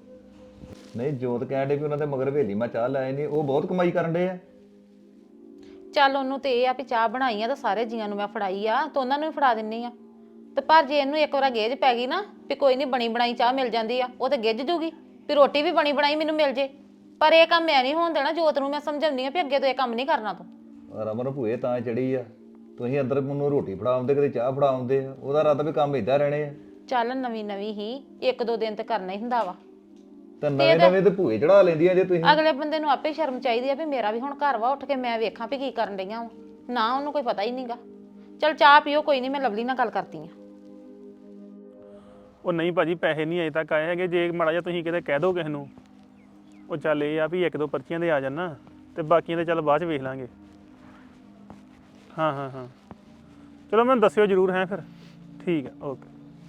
[SPEAKER 5] ਨਹੀਂ ਜੋਤ ਕਹਿਣ ਡੇ ਵੀ ਉਹਨਾਂ ਦੇ ਮਗਰ ਹਵੇਲੀ ਮੈਂ ਚਾਹ ਲਾਏ ਨਹੀਂ, ਉਹ ਬਹੁਤ ਕਮਾਈ ਕਰਨ ਡੇ ਆ।
[SPEAKER 6] ਚੱਲ ਉਹਨੂੰ ਤੇ ਇਹ ਆ ਵੀ ਚਾਹ ਬਣਾਈ ਆ ਤਾਂ ਸਾਰੇ ਜੀਆਂ ਨੂੰ ਮੈਂ ਫੜਾਈ ਆ ਤਾਂ ਉਹਨਾਂ ਨੂੰ ਵੀ ਫੜਾ ਦਿੰਨੀ ਆ। ਤੇ ਪਰ ਜੇ ਇਹਨੂੰ ਇੱਕ ਵਾਰ ਗੇਜ ਪੈ ਗਈ ਨਾ ਵੀ ਕੋਈ ਨਹੀਂ ਬਣੀ ਬਣਾਈ ਚਾਹ ਮਿਲ ਜਾਂਦੀ ਆ, ਉਹ ਤੇ ਗਿੱਝ ਜੂਗੀ ਵੀ ਰੋਟੀ ਵੀ ਬਣੀ ਬਣਾਈ ਮੈਨੂੰ ਮਿਲ ਜੇ। ਪਰ ਇਹ ਕੰਮ ਮੈਂ ਨਹੀਂ ਹੋਣ ਦੇਣਾ। ਜੋਤ ਨੂੰ ਮੈਂ ਸਮਝਾਉਂਦੀ ਆ ਵੀ ਅੱਗੇ ਤੋਂ ਇਹ ਕੰਮ ਨਹੀਂ ਕਰਨਾ ਤੂੰ।
[SPEAKER 5] ਰਮਨ ਭੂਏ ਤਾਂ ਚੜੀ ਆ, ਤੁਸੀਂ ਅੰਦਰ ਮੈਨੂੰ ਰੋਟੀ ਫੜਾਉਂਦੇ ਕਦੇ ਚਾਹ ਫੜਾਉਂਦੇ ਆ, ਉਹਦਾ ਰਾਤ ਵੀ ਕੰਮ ਇਦਾਂ ਰਹਿਣੇ ਆ।
[SPEAKER 6] ਚੱਲ ਨਵੀਂ ਨਵੀਂ ਹੀ 1-2 ਦਿਨ ਤੇ ਕਰਨਾ ਹੀ ਹੁੰਦਾ ਵਾ।
[SPEAKER 5] ਤੇ ਨਵੇਂ ਨਵੇਂ ਤੇ ਭੂਏ ਚੜਾ ਲੈਂਦੀਆਂ ਜੇ ਤੁਸੀਂ।
[SPEAKER 6] ਅਗਲੇ ਬੰਦੇ ਨੂੰ ਆਪੇ ਸ਼ਰਮ ਚਾਹੀਦੀ ਆ ਵੀ ਮੇਰਾ ਵੀ ਹੁਣ ਘਰ ਵਾ, ਉੱਠ ਕੇ ਮੈਂ ਵੇਖਾਂ ਵੀ ਕੀ ਕਰਨ ਡਈਆਂ ਵਾਂ। ਨਾ ਉਹਨੂੰ ਕੋਈ ਪਤਾ ਹੀ ਨਹੀਂਗਾ। ਚੱਲ ਚਾਹ ਪੀਓ, ਕੋਈ ਨਹੀਂ ਮੈਂ ਲਵਲੀ ਨਾਲ ਗੱਲ ਕਰਦੀ ਆ।
[SPEAKER 3] ਉਹ ਨਹੀਂ ਭਾਜੀ ਪੈਸੇ ਨਹੀਂ ਅਜੇ ਤੱਕ ਆਏ ਹੈਗੇ। ਜੇ ਮਾੜਾ ਜਿਹਾ ਤੁਸੀਂ ਕਿਤੇ ਕਹਿ ਦੋ ਕਿਸੇ ਨੂੰ, ਉਹ ਚੱਲ ਇਹ ਆ ਵੀ 1-2 ਪਰਚੀਆਂ ਦੇ ਆ ਜਾਣ ਨਾ, ਤੇ ਬਾਕੀਆਂ ਦੇ ਚੱਲ ਬਾਅਦ ਚ ਵੇਖ ਲਾਂਗੇ। ਹਾਂ ਚਲੋ ਮੈਨੂੰ ਦੱਸਿਓ ਜ਼ਰੂਰ ਹੈ ਫਿਰ। ਠੀਕ ਹੈ ਓਕੇ।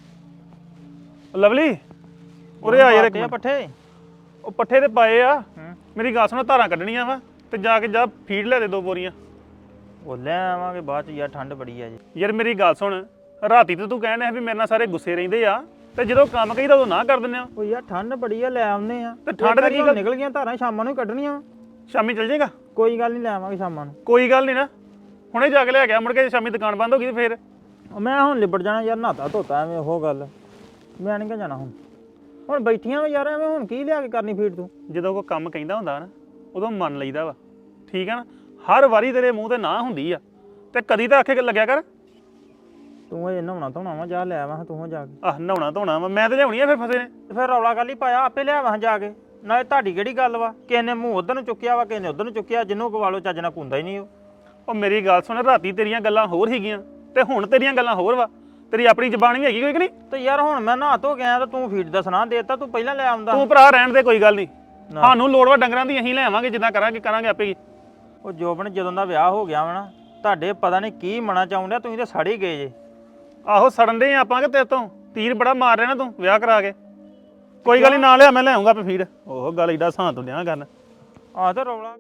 [SPEAKER 3] ਲਵਲੀ ਉਰੇ ਆ ਯਾਰ ਇੱਕ ਮਿੰਟ।
[SPEAKER 2] ਪੱਠੇ
[SPEAKER 3] ਉਹ ਪੱਠੇ ਤੇ ਪਾਏ ਆ। ਮੇਰੀ ਗੱਲ ਸੁਣੋ, ਧਾਰਾਂ ਕੱਢਣੀਆਂ ਵਾ ਤੇ ਜਾ ਕੇ ਜਾ ਫੀਡ ਲੈ ਦੇ 2 ਬੋਰੀਆਂ।
[SPEAKER 2] ਉਹ ਲੈ ਆਵਾਂਗੇ ਬਾਅਦ ਚ ਯਾਰ, ਠੰਡ ਬੜੀ ਆ ਜੀ।
[SPEAKER 3] ਯਾਰ ਮੇਰੀ ਗੱਲ ਸੁਣ, ਰਾਤੀ ਤੇ ਤੂੰ ਕਹਿਣ ਡਿਆ ਵੀ ਮੇਰੇ ਨਾਲ ਸਾਰੇ ਗੁੱਸੇ ਰਹਿੰਦੇ ਆ, ਤੇ ਜਦੋਂ ਕੰਮ ਕਹੀਦਾ ਉਦੋਂ ਨਾ ਕਰ ਦਿੰਦੇ ਆ।
[SPEAKER 2] ਉਹ ਯਾਰ ਠੰਡ ਬੜੀ ਆ, ਲੈ ਆਉਂਦੇ ਆ।
[SPEAKER 3] ਤੇ ਠੰਡ ਦੇ ਕੀ ਗੱਲ?
[SPEAKER 2] ਨਿਕਲ ਗਈਆਂ ਧਾਰਾਂ, ਸ਼ਾਮਾਂ ਨੂੰ ਹੀ ਕੱਢਣੀਆਂ।
[SPEAKER 3] ਸ਼ਾਮੀ ਚੱਲ ਜਾਏਗਾ?
[SPEAKER 2] ਕੋਈ ਗੱਲ ਨਹੀਂ, ਲੈ ਆਵਾਂਗੇ ਸ਼ਾਮਾਂ ਨੂੰ।
[SPEAKER 3] ਕੋਈ ਗੱਲ ਨਹੀਂ ਨਾ, ਹੁਣੇ ਜਾ ਕੇ ਲੈ ਗਿਆ, ਮੁੜ ਕੇ ਸ਼ਾਮੀ ਦੁਕਾਨ ਬੰਦ ਹੋ ਗਈ ਤੇ ਫੇਰ
[SPEAKER 2] ਮੈਂ ਹੁਣ ਲਿਬੜ ਜਾਣਾ ਯਾਰ, ਨਹਾਤਾ ਧੋਤਾ ਐਵੇਂ ਉਹ ਗੱਲ। ਮੈਂ ਨਹੀਂ ਜਾਣਾ ਹੁਣ ਬੈਠੀਆਂ ਵਾ ਯਾਰ ਐਵੇਂ, ਹੁਣ ਕੀ ਲਿਆ ਕੇ ਕਰਨੀ ਫੀਡ ਤੂੰ?
[SPEAKER 3] ਜਦੋਂ ਕੋਈ ਕੰਮ ਕਹਿੰਦਾ ਹੁੰਦਾ ਨਾ ਉਦੋਂ ਮੰਨ ਲਈਦਾ ਵਾ, ਠੀਕ ਆ ਨਾ। ਹਰ ਵਾਰੀ ਤੇਰੇ ਮੂੰਹ ਤੇ ਨਾ ਹੁੰਦੀ ਆ, ਤੇ ਕਦੀ ਤਾਂ ਆਖੇ ਲੱਗਿਆ ਕਰ।
[SPEAKER 2] ਤੂੰ ਇਹ ਨਹਾਉਣਾ ਧੋਣਾ ਵਾ, ਜਾ ਲੈ ਆਵਾਂ ਤੂੰ ਜਾ ਕੇ।
[SPEAKER 3] ਆਹ ਨਹਾਉਣਾ ਧੋਣਾ ਵਾ, ਮੈਂ ਤੇ ਲਿਆਉਣੀ ਆ ਫਿਰ ਫਸੇ ਨੇ।
[SPEAKER 2] ਤੇ ਫਿਰ ਰੌਲਾ ਗੱਲ ਹੀ ਪਾਇਆ, ਆਪੇ ਲੈ ਆਵਾਂ ਜਾ ਕੇ। ਨਾਲੇ ਤੁਹਾਡੀ ਕਿਹੜੀ ਗੱਲ ਵਾ, ਕਿਸੇ ਨੇ ਮੂੰਹ ਉਧਰ ਨੂੰ ਚੁੱਕਿਆ ਵਾ, ਕਿਸੇ ਨੇ ਉਧਰ ਨੂੰ ਚੁੱਕਿਆ। ਜਿਹਨੂੰ ਗਵਾਲੋ ਚੱਜ ਨਾਲ ਕੁੰਦਾ ਹੀ ਨਹੀਂ
[SPEAKER 3] ਉਹ ਮੇਰੀ ਗੱਲ ਸੁਣ, ਰਾਤੀ ਤੇਰੀਆਂ ਗੱਲਾਂ ਹੋਰ ਸੀਗੀਆਂ ਤੇ ਹੁਣ ਤੇਰੀਆਂ ਗੱਲਾਂ ਹੋਰ ਵਾ। ਤੇਰੀ ਆਪਣੀ ਜ਼ਬਾਨ ਵੀ ਹੈਗੀ ਕੋਈ ਕਿ ਨਹੀਂ?
[SPEAKER 2] ਤੇ ਯਾਰ ਹੁਣ ਮੈਂ ਨਹਾ ਧੋ ਗਿਆ ਤਾਂ ਤੂੰ ਫੀਡ ਦਾ ਸੁਣਾ ਦੇਤਾ, ਤੂੰ ਪਹਿਲਾਂ ਲੈ ਆਉਂਦਾ।
[SPEAKER 3] ਤੂੰ ਭਰਾ ਰਹਿਣ ਦੇ, ਕੋਈ ਗੱਲ ਨਹੀਂ। ਸਾਨੂੰ ਲੋੜ ਵਾ ਡੰਗਰਾਂ ਦੀ, ਅਸੀਂ ਲੈ ਆਵਾਂਗੇ ਜਿੱਦਾਂ ਕਰਾਂਗੇ ਆਪੇ ਹੀ।
[SPEAKER 2] ਉਹ ਜੋਬਨ ਜਦੋਂ ਦਾ ਵਿਆਹ ਹੋ ਗਿਆ ਵਾ ਨਾ, ਤੁਹਾਡੇ ਪਤਾ ਨਹੀਂ ਕੀ ਮਨਾ ਚਾਹੁੰਦਿਆ, ਤੁਸੀਂ ਤਾਂ ਸੜ ਹੀ ਗਏ ਜੇ।
[SPEAKER 3] ਆਹੋ ਸੜਨ ਦੇ ਆਪਾਂ ਕਿ ਤੇਰੇ ਤੋਂ ਤੀਰ ਬੜਾ ਮਾਰ ਰਿਹਾ ਨਾ ਤੂੰ ਵਿਆਹ ਕਰਾ ਕੇ। ਕੋਈ ਗੱਲ ਨਹੀਂ, ਨਾ ਲਿਆ, ਮੈਂ ਲੈ ਆਉਂਗਾ ਆਪੇ ਫੀਡ। ਉਹ ਗੱਲ ਏਡਾ ਸਾਂ ਤੋਂ ਲਿਆ ਕਰਨ।
[SPEAKER 2] ਆਹ ਤਾਂ ਰੌਲਾ।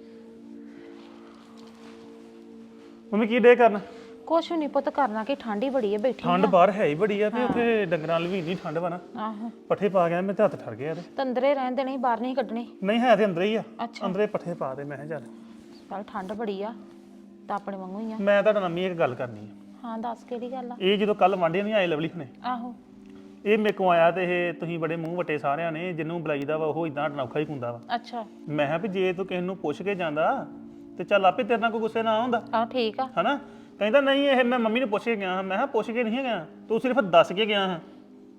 [SPEAKER 3] ਮੰਮੀ ਕੀ ਡੇ ਕਰਨ?
[SPEAKER 6] ਕੁਛ ਨਹੀਂ ਪੁੱਤ ਕਰਨਾ ਕਿ ਠੰਡ ਹੀ ਬੜੀ ਹੈ, ਬੈਠੀ
[SPEAKER 3] ਠੰਡ ਬਾਹਰ ਹੈ ਹੀ ਬੜੀ ਆ, ਤੇ ਉੱਥੇ ਡੰਗਰਾਂ ਲਈ ਵੀ ਇੰਨੀ ਠੰਡ ਵਾ ਨਾ।
[SPEAKER 6] ਆਹੋ
[SPEAKER 3] ਪੱਠੇ ਪਾ ਗਿਆ, ਮੇਰੇ ਹੱਥ ਠਰ ਗਏ ਇਹਦੇ।
[SPEAKER 6] ਤੰਦਰੇ ਰਹਿਣ ਦੇਣੇ, ਬਾਹਰ ਨਹੀਂ ਕੱਢਣੇ।
[SPEAKER 3] ਨਹੀਂ ਹੈ ਤੇ ਅੰਦਰ ਹੀ ਆ।
[SPEAKER 6] ਅੱਛਾ।
[SPEAKER 3] ਅੰਦਰੇ ਪੱਠੇ ਪਾ ਦੇ, ਮੈਂ ਕਿਹਾ ਚੱਲ।
[SPEAKER 6] ਚੱਲ ਠੰਡ ਬੜੀ ਆ ਤਾਂ ਆਪਣੇ ਵਾਂਗੂ ਹੀ ਆ।
[SPEAKER 3] ਮੈਂ ਤੁਹਾਡਾ ਮੰਮੀ ਇੱਕ ਗੱਲ ਕਰਨੀ ਆ।
[SPEAKER 6] ਹਾਂ ਦੱਸ ਕਿਹੜੀ ਗੱਲ ਆ?
[SPEAKER 3] ਇਹ ਜਦੋਂ ਕੱਲ ਵਾਂਢੇ ਨਹੀਂ ਆਏ ਲਵਲੀ ਹੁਣੇ,
[SPEAKER 6] ਆਹੋ
[SPEAKER 3] ਇਹ ਮੇਰੇ ਕੋਲ ਆਇਆ ਤੇ ਇਹ ਤੁਸੀਂ ਬੜੇ ਮੂੰਹ ਵੱਟੇ ਸਾਰਿਆਂ ਨੇ, ਜਿਹਨੂੰ ਬੁਲਾਈਦਾ ਵਾ ਉਹ ਇਦਾਂ ਅਨੌਖਾ ਹੀ ਹੁੰਦਾ ਵਾ।
[SPEAKER 6] ਅੱਛਾ।
[SPEAKER 3] ਮੈਂ ਕਿਹਾ ਵੀ ਜੇ ਤੂੰ ਕਿਸੇ ਨੂੰ ਪੁੱਛ ਕੇ ਜਾਂਦਾ ਤੇ ਚੱਲ ਆਪੇ ਤੇਰੇ ਨਾਲ ਕੋਈ ਗੁੱਸੇ ਨਾ ਆਉਂਦਾ,
[SPEAKER 6] ਆਹ ਠੀਕ ਆ।
[SPEAKER 3] ਹਨਾ। ਕਹਿੰਦਾ ਨਹੀਂ ਇਹ ਮੈਂ ਮੰਮੀ ਨੂੰ ਪੁੱਛ ਕੇ ਗਿਆ ਹਾਂ। ਮੈਂ ਕਿਹਾ ਪੁੱਛ ਕੇ ਨਹੀਂ ਗਿਆ, ਤੂੰ ਸਿਰਫ ਦੱਸ ਕੇ ਗਿਆ ਹਾਂ।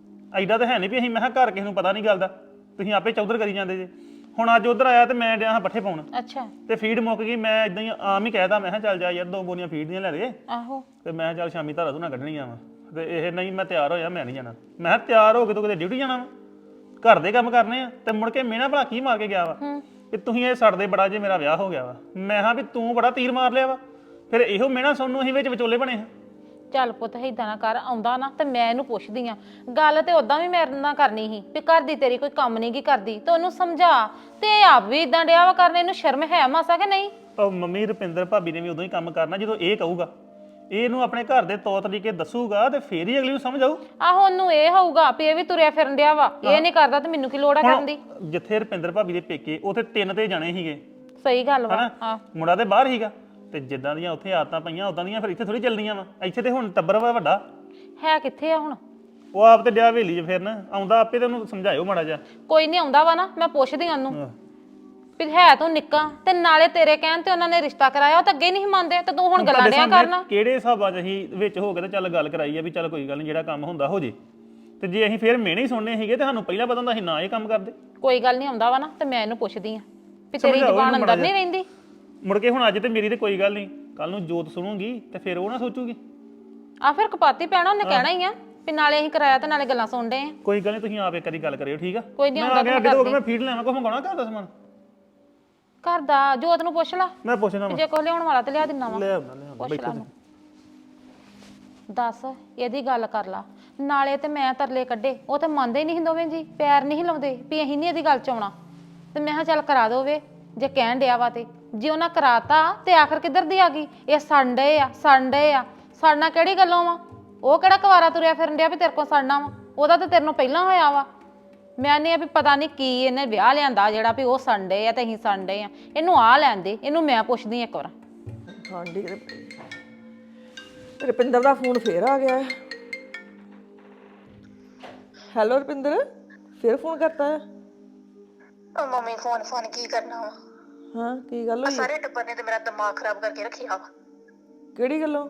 [SPEAKER 3] ਐਡਾ ਤਾਂ ਹੈ ਨਹੀਂ ਵੀ ਅਸੀਂ, ਮੈਂ ਕਿਹਾ ਘਰ ਕਿਸੇ ਨੂੰ ਪਤਾ ਨਹੀਂ ਗੱਲ ਦਾ, ਤੁਸੀਂ ਆਪੇ ਚੌਧਰ ਕਰੀ ਜਾਂਦੇ ਜੇ। ਹੁਣ ਅੱਜ ਉਧਰ ਆਇਆ ਤੇ ਮੈਂ ਡਿਆ ਹਾਂ ਪੱਠੇ ਪਾਉਣ,
[SPEAKER 6] ਅੱਛਾ।
[SPEAKER 3] ਤੇ ਫੀਡ ਮੁੱਕ ਗਈ। ਮੈਂ ਇਦਾਂ ਹੀ ਆਮ ਹੀ ਕਹਿਦਾ, ਮੈਂ ਕਿਹਾ ਚੱਲ ਜਾ ਯਾਰ 2 ਬੋਰੀਆਂ ਫੀਡ ਦੀਆਂ ਲੈ ਦੇ।
[SPEAKER 6] ਆਹੋ
[SPEAKER 3] ਤੇ ਮੈਂ ਕਿਹਾ ਚੱਲ ਸ਼ਾਮੀ ਧਾਰਾ ਧੂਣਾ ਕੱਢਣੀਆਂ ਵਾ। ਤੇ ਇਹ ਨਹੀਂ, ਮੈਂ ਤਿਆਰ ਹੋਇਆ, ਮੈਂ ਨਹੀਂ ਜਾਣਾ। ਮੈਂ ਕਿਹਾ ਤਿਆਰ ਹੋ ਕੇ ਤੂੰ ਕਿਤੇ ਡਿਊਟੀ ਜਾਣਾ ਵਾ, ਘਰ ਦੇ ਕੰਮ ਕਰਨੇ ਆ। ਤੇ ਮੁੜ ਕੇ ਮੇਨਾ ਭਲਾ ਕੀ ਮਾਰ ਕੇ ਗਿਆ ਵਾ ਵੀ ਤੁਸੀਂ ਇਹ ਸੜਦੇ ਬੜਾ ਜੇ ਮੇਰਾ ਵਿਆਹ ਹੋ ਗਿਆ ਵਾ। ਮੈਂ ਕਿਹਾ ਵੀ ਤੂੰ ਬੜਾ ਤੀਰ ਮਾਰ ਲਿਆ ਵਾ। ਫਿਰ ਇਹੋ ਮੇਨਾ ਸਾਨੂੰ ਅਸੀਂ ਵਿੱਚ ਵਿਚੋਲੇ ਬਣੇ ਹਾਂ।
[SPEAKER 6] ਚੱਲ ਪੁੱਤ ਏਦਾਂ ਨਾ ਕਰ, ਆਉਂਦਾ ਨਾ ਤੇ ਮੈਂ ਇਹਨੂੰ ਪੁੱਛਦੀ ਆ। ਗੱਲ ਤੇ ਉਦਾਂ ਵੀ ਮੇਰੇ ਨਾਲ ਕਰਨੀ ਸੀ ਵੀ ਘਰ ਦੀ ਤੇਰੀ ਕੋਈ ਕੰਮ ਨਹੀਂ ਕੀ ਕਰਦੀ, ਤੇ ਉਹਨੂੰ ਸਮਝਾ। ਤੇ ਆਪ ਵੀ ਇਦਾਂ ਡਿਆ ਵਾ ਕਰਨੇ, ਇਹਨੂੰ ਸ਼ਰਮ ਹੈ ਮਾਸਾ ਕਿ ਨਹੀਂ?
[SPEAKER 3] ਉਹ ਮੰਮੀ ਰੁਪਿੰਦਰ ਭਾਬੀ ਨੇ ਵੀ ਉਦੋਂ ਹੀ ਕੰਮ ਕਰਨਾ ਜਦੋਂ ਇਹ ਕਹੂਗਾ। ਇਹਨੂੰ ਆਪਣੇ ਘਰ ਦੇ ਤੌਰ ਤਰੀਕੇ ਦੱਸੂਗਾ ਤੇ ਫੇਰ ਹੀ ਅਗਲੀ ਨੂੰ ਸਮਝ ਆਊ।
[SPEAKER 6] ਆਹੋ ਉਹਨੂੰ ਇਹ ਹੋਊਗਾ ਵੀ ਇਹ ਵੀ ਤੁਰਿਆ ਫਿਰਨ ਡਿਆ ਵਾ, ਇਹ ਨਹੀਂ ਕਰਦਾ ਤੇ ਮੈਨੂੰ ਕੀ ਲੋੜ ਆ ਕਰਨ ਦੀ?
[SPEAKER 3] ਜਿੱਥੇ ਰੁਪਿੰਦਰ ਭਾਬੀ ਦੇ ਪੇਕੇ, ਉੱਥੇ 3 ਤੇ ਜਾਣੇ ਸੀਗੇ,
[SPEAKER 6] ਸਹੀ ਗੱਲ ਵਾ।
[SPEAKER 3] ਹਨਾ।
[SPEAKER 6] ਹਾਂ
[SPEAKER 3] ਮੁੰਡਾ ਤੇ ਬਾਹਰ ਸੀਗਾ, ਤੇ ਜਿੱਦਾਂ ਦੀਆਂ ਉੱਥੇ ਆਦਤਾਂ ਪਈਆਂ ਉਦਾਂ ਦੀਆਂ ਫਿਰ ਇੱਥੇ ਥੋੜੀ ਚੱਲਦੀਆਂ ਵਾ। ਇੱਥੇ ਤੇ ਹੁਣ ਟੱਬਰ ਵਾ ਵੱਡਾ।
[SPEAKER 6] ਹੈ ਕਿੱਥੇ ਆ ਹੁਣ?
[SPEAKER 3] ਉਹ ਆਪ ਤੇ ਡਿਆ ਹਵੇਲੀ 'ਚ ਫਿਰਨ, ਆਉਂਦਾ ਆਪੇ ਤੇ ਉਹਨੂੰ ਸਮਝਾਇਓ ਮਾੜਾ ਜਿਹਾ।
[SPEAKER 6] ਕੋਈ ਨਹੀਂ ਆਉਂਦਾ ਵਾ ਨਾ, ਮੈਂ ਪੁੱਛਦੀ ਉਹਨੂੰ ਵੀ ਹੈ ਤੂੰ ਨਿੱਕਾ, ਤੇ ਨਾਲੇ ਤੇਰੇ ਕਹਿਣ ਤੇ ਉਹਨਾਂ ਨੇ ਰਿਸ਼ਤਾ ਕਰਾਇਆ, ਉਹ ਤਾਂ ਅੱਗੇ ਨਹੀਂ ਮੰਨਦੇ, ਤੇ ਤੂੰ ਹੁਣ ਗੱਲਾਂ ਡਿਆ ਕਰਨਾ।
[SPEAKER 3] ਕਿਹੜੇ ਹਿਸਾਬਾਂ 'ਚ ਅਸੀਂ ਵਿੱਚ ਹੋ ਕੇ ਤੇ ਚੱਲ ਗੱਲ ਕਰਾਈ ਆ ਵੀ ਚੱਲ ਕੋਈ ਗੱਲ ਨਹੀਂ, ਜਿਹੜਾ ਕੰਮ ਹੁੰਦਾ ਹੋ ਜੇ। ਤੇ ਜੇ ਅਸੀਂ ਫੇਰ ਮਿਹਣੇ ਹੀ ਸੁਣਨੇ ਸੀਗੇ ਤੇ ਸਾਨੂੰ ਪਹਿਲਾਂ ਪਤਾ ਹੁੰਦਾ ਅਸੀਂ ਨਾ ਇਹ ਕੰਮ ਕਰਦੇ।
[SPEAKER 6] ਕੋਈ ਗੱਲ ਨਹੀਂ ਆਉਂਦਾ ਵਾ ਨਾ, ਤੇ ਮੈਂ ਇਹਨੂੰ ਪੁੱਛਦੀ ਆ ਵੀ ਤੇਰੀ ਜ਼ੁਬਾਨ ਅੰਦਰ ਨਹੀਂ ਰਹਿੰਦੀ।
[SPEAKER 3] ਮੁੜ ਕੇ ਹੁਣ ਅੱਜ ਤੇ ਮੇਰੀ ਤੇ ਕੋਈ ਗੱਲ ਨਹੀਂ, ਕੱਲ ਨੂੰ ਜੋਤ ਸੁਣੂਗੀ ਤੇ ਫਿਰ ਉਹ ਨਾ ਸੋਚੂਗੀ।
[SPEAKER 6] ਆ ਫਿਰ ਕਪਾਤੀ ਪੈਣਾ, ਉਹਨੇ ਕਹਿਣਾ ਹੀ ਆ ਵੀ ਨਾਲੇ ਅਸੀਂ ਕਰਾਇਆ ਤੇ ਨਾਲੇ ਗੱਲਾਂ ਸੁਣਦੇ ਆ।
[SPEAKER 3] ਕੋਈ ਗੱਲ ਨਹੀਂ, ਤੁਸੀਂ ਆਪ ਇੱਕ ਵਾਰੀ ਗੱਲ ਕਰਿਓ, ਠੀਕ ਆ?
[SPEAKER 6] ਕੋਈ ਨਹੀਂ
[SPEAKER 3] ਮੈਂ
[SPEAKER 6] ਆਉਂਦਾ
[SPEAKER 3] ਆ ਗਿਆ ਅੱਡੇ ਤੋਂ, ਮੈਂ ਫੀਡ ਲੈਣਾ, ਕੋਈ ਮੰਗਾਉਣਾ ਘਰ ਦਾ ਸਮਾਨ?
[SPEAKER 6] ਘਰ ਦਾ ਜੋਤ ਨੂੰ ਪੁੱਛ ਲਾ,
[SPEAKER 3] ਮੈਂ ਪੁੱਛਣਾ
[SPEAKER 6] ਜੇ ਕੋਈ ਲਿਆਉਣ ਵਾਲਾ ਤੇ ਲਿਆ ਦਿੰਨਾ ਵਾ।
[SPEAKER 3] ਲੈ ਆਉਣਾ
[SPEAKER 6] ਪੁੱਛ
[SPEAKER 3] ਬੈਠੋ
[SPEAKER 6] ਲਾ ਉਹਨੂੰ। ਦੱਸ ਇਹਦੀ ਗੱਲ ਕਰ ਲਾ। ਨਾਲੇ ਤੇ ਮੈਂ ਤਰਲੇ ਕੱਢੇ, ਉਹ ਤੇ ਮੰਨਦੇ ਹੀ ਨਹੀਂ ਦੋਵੇਂ ਜੀ, ਪੈਰ ਨਹੀਂ ਲਾਉਂਦੇ ਵੀ ਅਸੀਂ ਨਹੀਂ ਇਹਦੀ ਗੱਲ ਚ ਆਉਣਾ। ਤੇ ਮੈਂ ਕਿਹਾ ਚੱਲ ਕਰਾ ਦੋਵੇ, ਜੇ ਕਹਿਣ ਡਿਆ ਵਾ ਤੇ। ਜੇ ਉਹਨਾਂ ਕਰਾਤਾ ਤੇ ਆਖਰ ਕਿੱਧਰ ਦੀ ਆ ਗਈ? ਇਹ ਸੰਡੇ ਆ, ਸੰਡੇ ਆ। ਸੜਨਾ ਕਿਹੜੀ ਗੱਲੋਂ ਵਾ? ਉਹ ਕਿਹੜਾ ਕੁਵਾਰਾ ਤੁਰਿਆ ਫਿਰਨ ਡਿਆ ਵੀ ਤੇਰੇ ਕੋਲ ਸੜਨਾ ਵਾ? ਉਹਦਾ ਤਾਂ ਤੇਰੇ ਨੂੰ ਪਹਿਲਾਂ ਹੋਇਆ ਵਾ। ਮੈਂ ਨਹੀਂ ਆ ਵੀ ਪਤਾ ਨਹੀਂ ਕੀ ਇਹਨੇ ਵਿਆਹ ਲਿਆਂਦਾ ਜਿਹੜਾ ਵੀ ਉਹ ਸੰਡੇ ਆ ਤੇ ਅਸੀਂ ਸੰਡੇ ਆ। ਇਹਨੂੰ ਆ ਲੈਣ ਦੇ, ਇਹਨੂੰ ਮੈਂ ਪੁੱਛਦੀ ਇੱਕ ਵਾਰ।
[SPEAKER 7] ਠੰਡੀ ਕਿਤੇ ਰੁਪਿੰਦਰ ਦਾ ਫੋਨ ਫੇਰ ਆ ਗਿਆ ਹੈ। ਹੈਲੋ ਰੁਪਿੰਦਰ, ਫੇਰ ਫੋਨ ਕਰਤਾ ਹੈ?
[SPEAKER 1] ਉਹ ਮੰਮੀ ਫੋਨ ਕੀ ਕਰਨਾ ਵਾ?
[SPEAKER 7] ਹਾਂ, ਕੀ ਗੱਲ
[SPEAKER 1] ਆ
[SPEAKER 7] ਹੋਈ?
[SPEAKER 1] ਸਾਰੇ ਟੱਬਰ ਨੇ ਤੇ ਮੇਰਾ ਦਿਮਾਗ ਖਰਾਬ ਕਰਕੇ ਰੱਖਿਆ ਵਾ।
[SPEAKER 7] ਕਿਹੜੀ ਗੱਲੋਂ?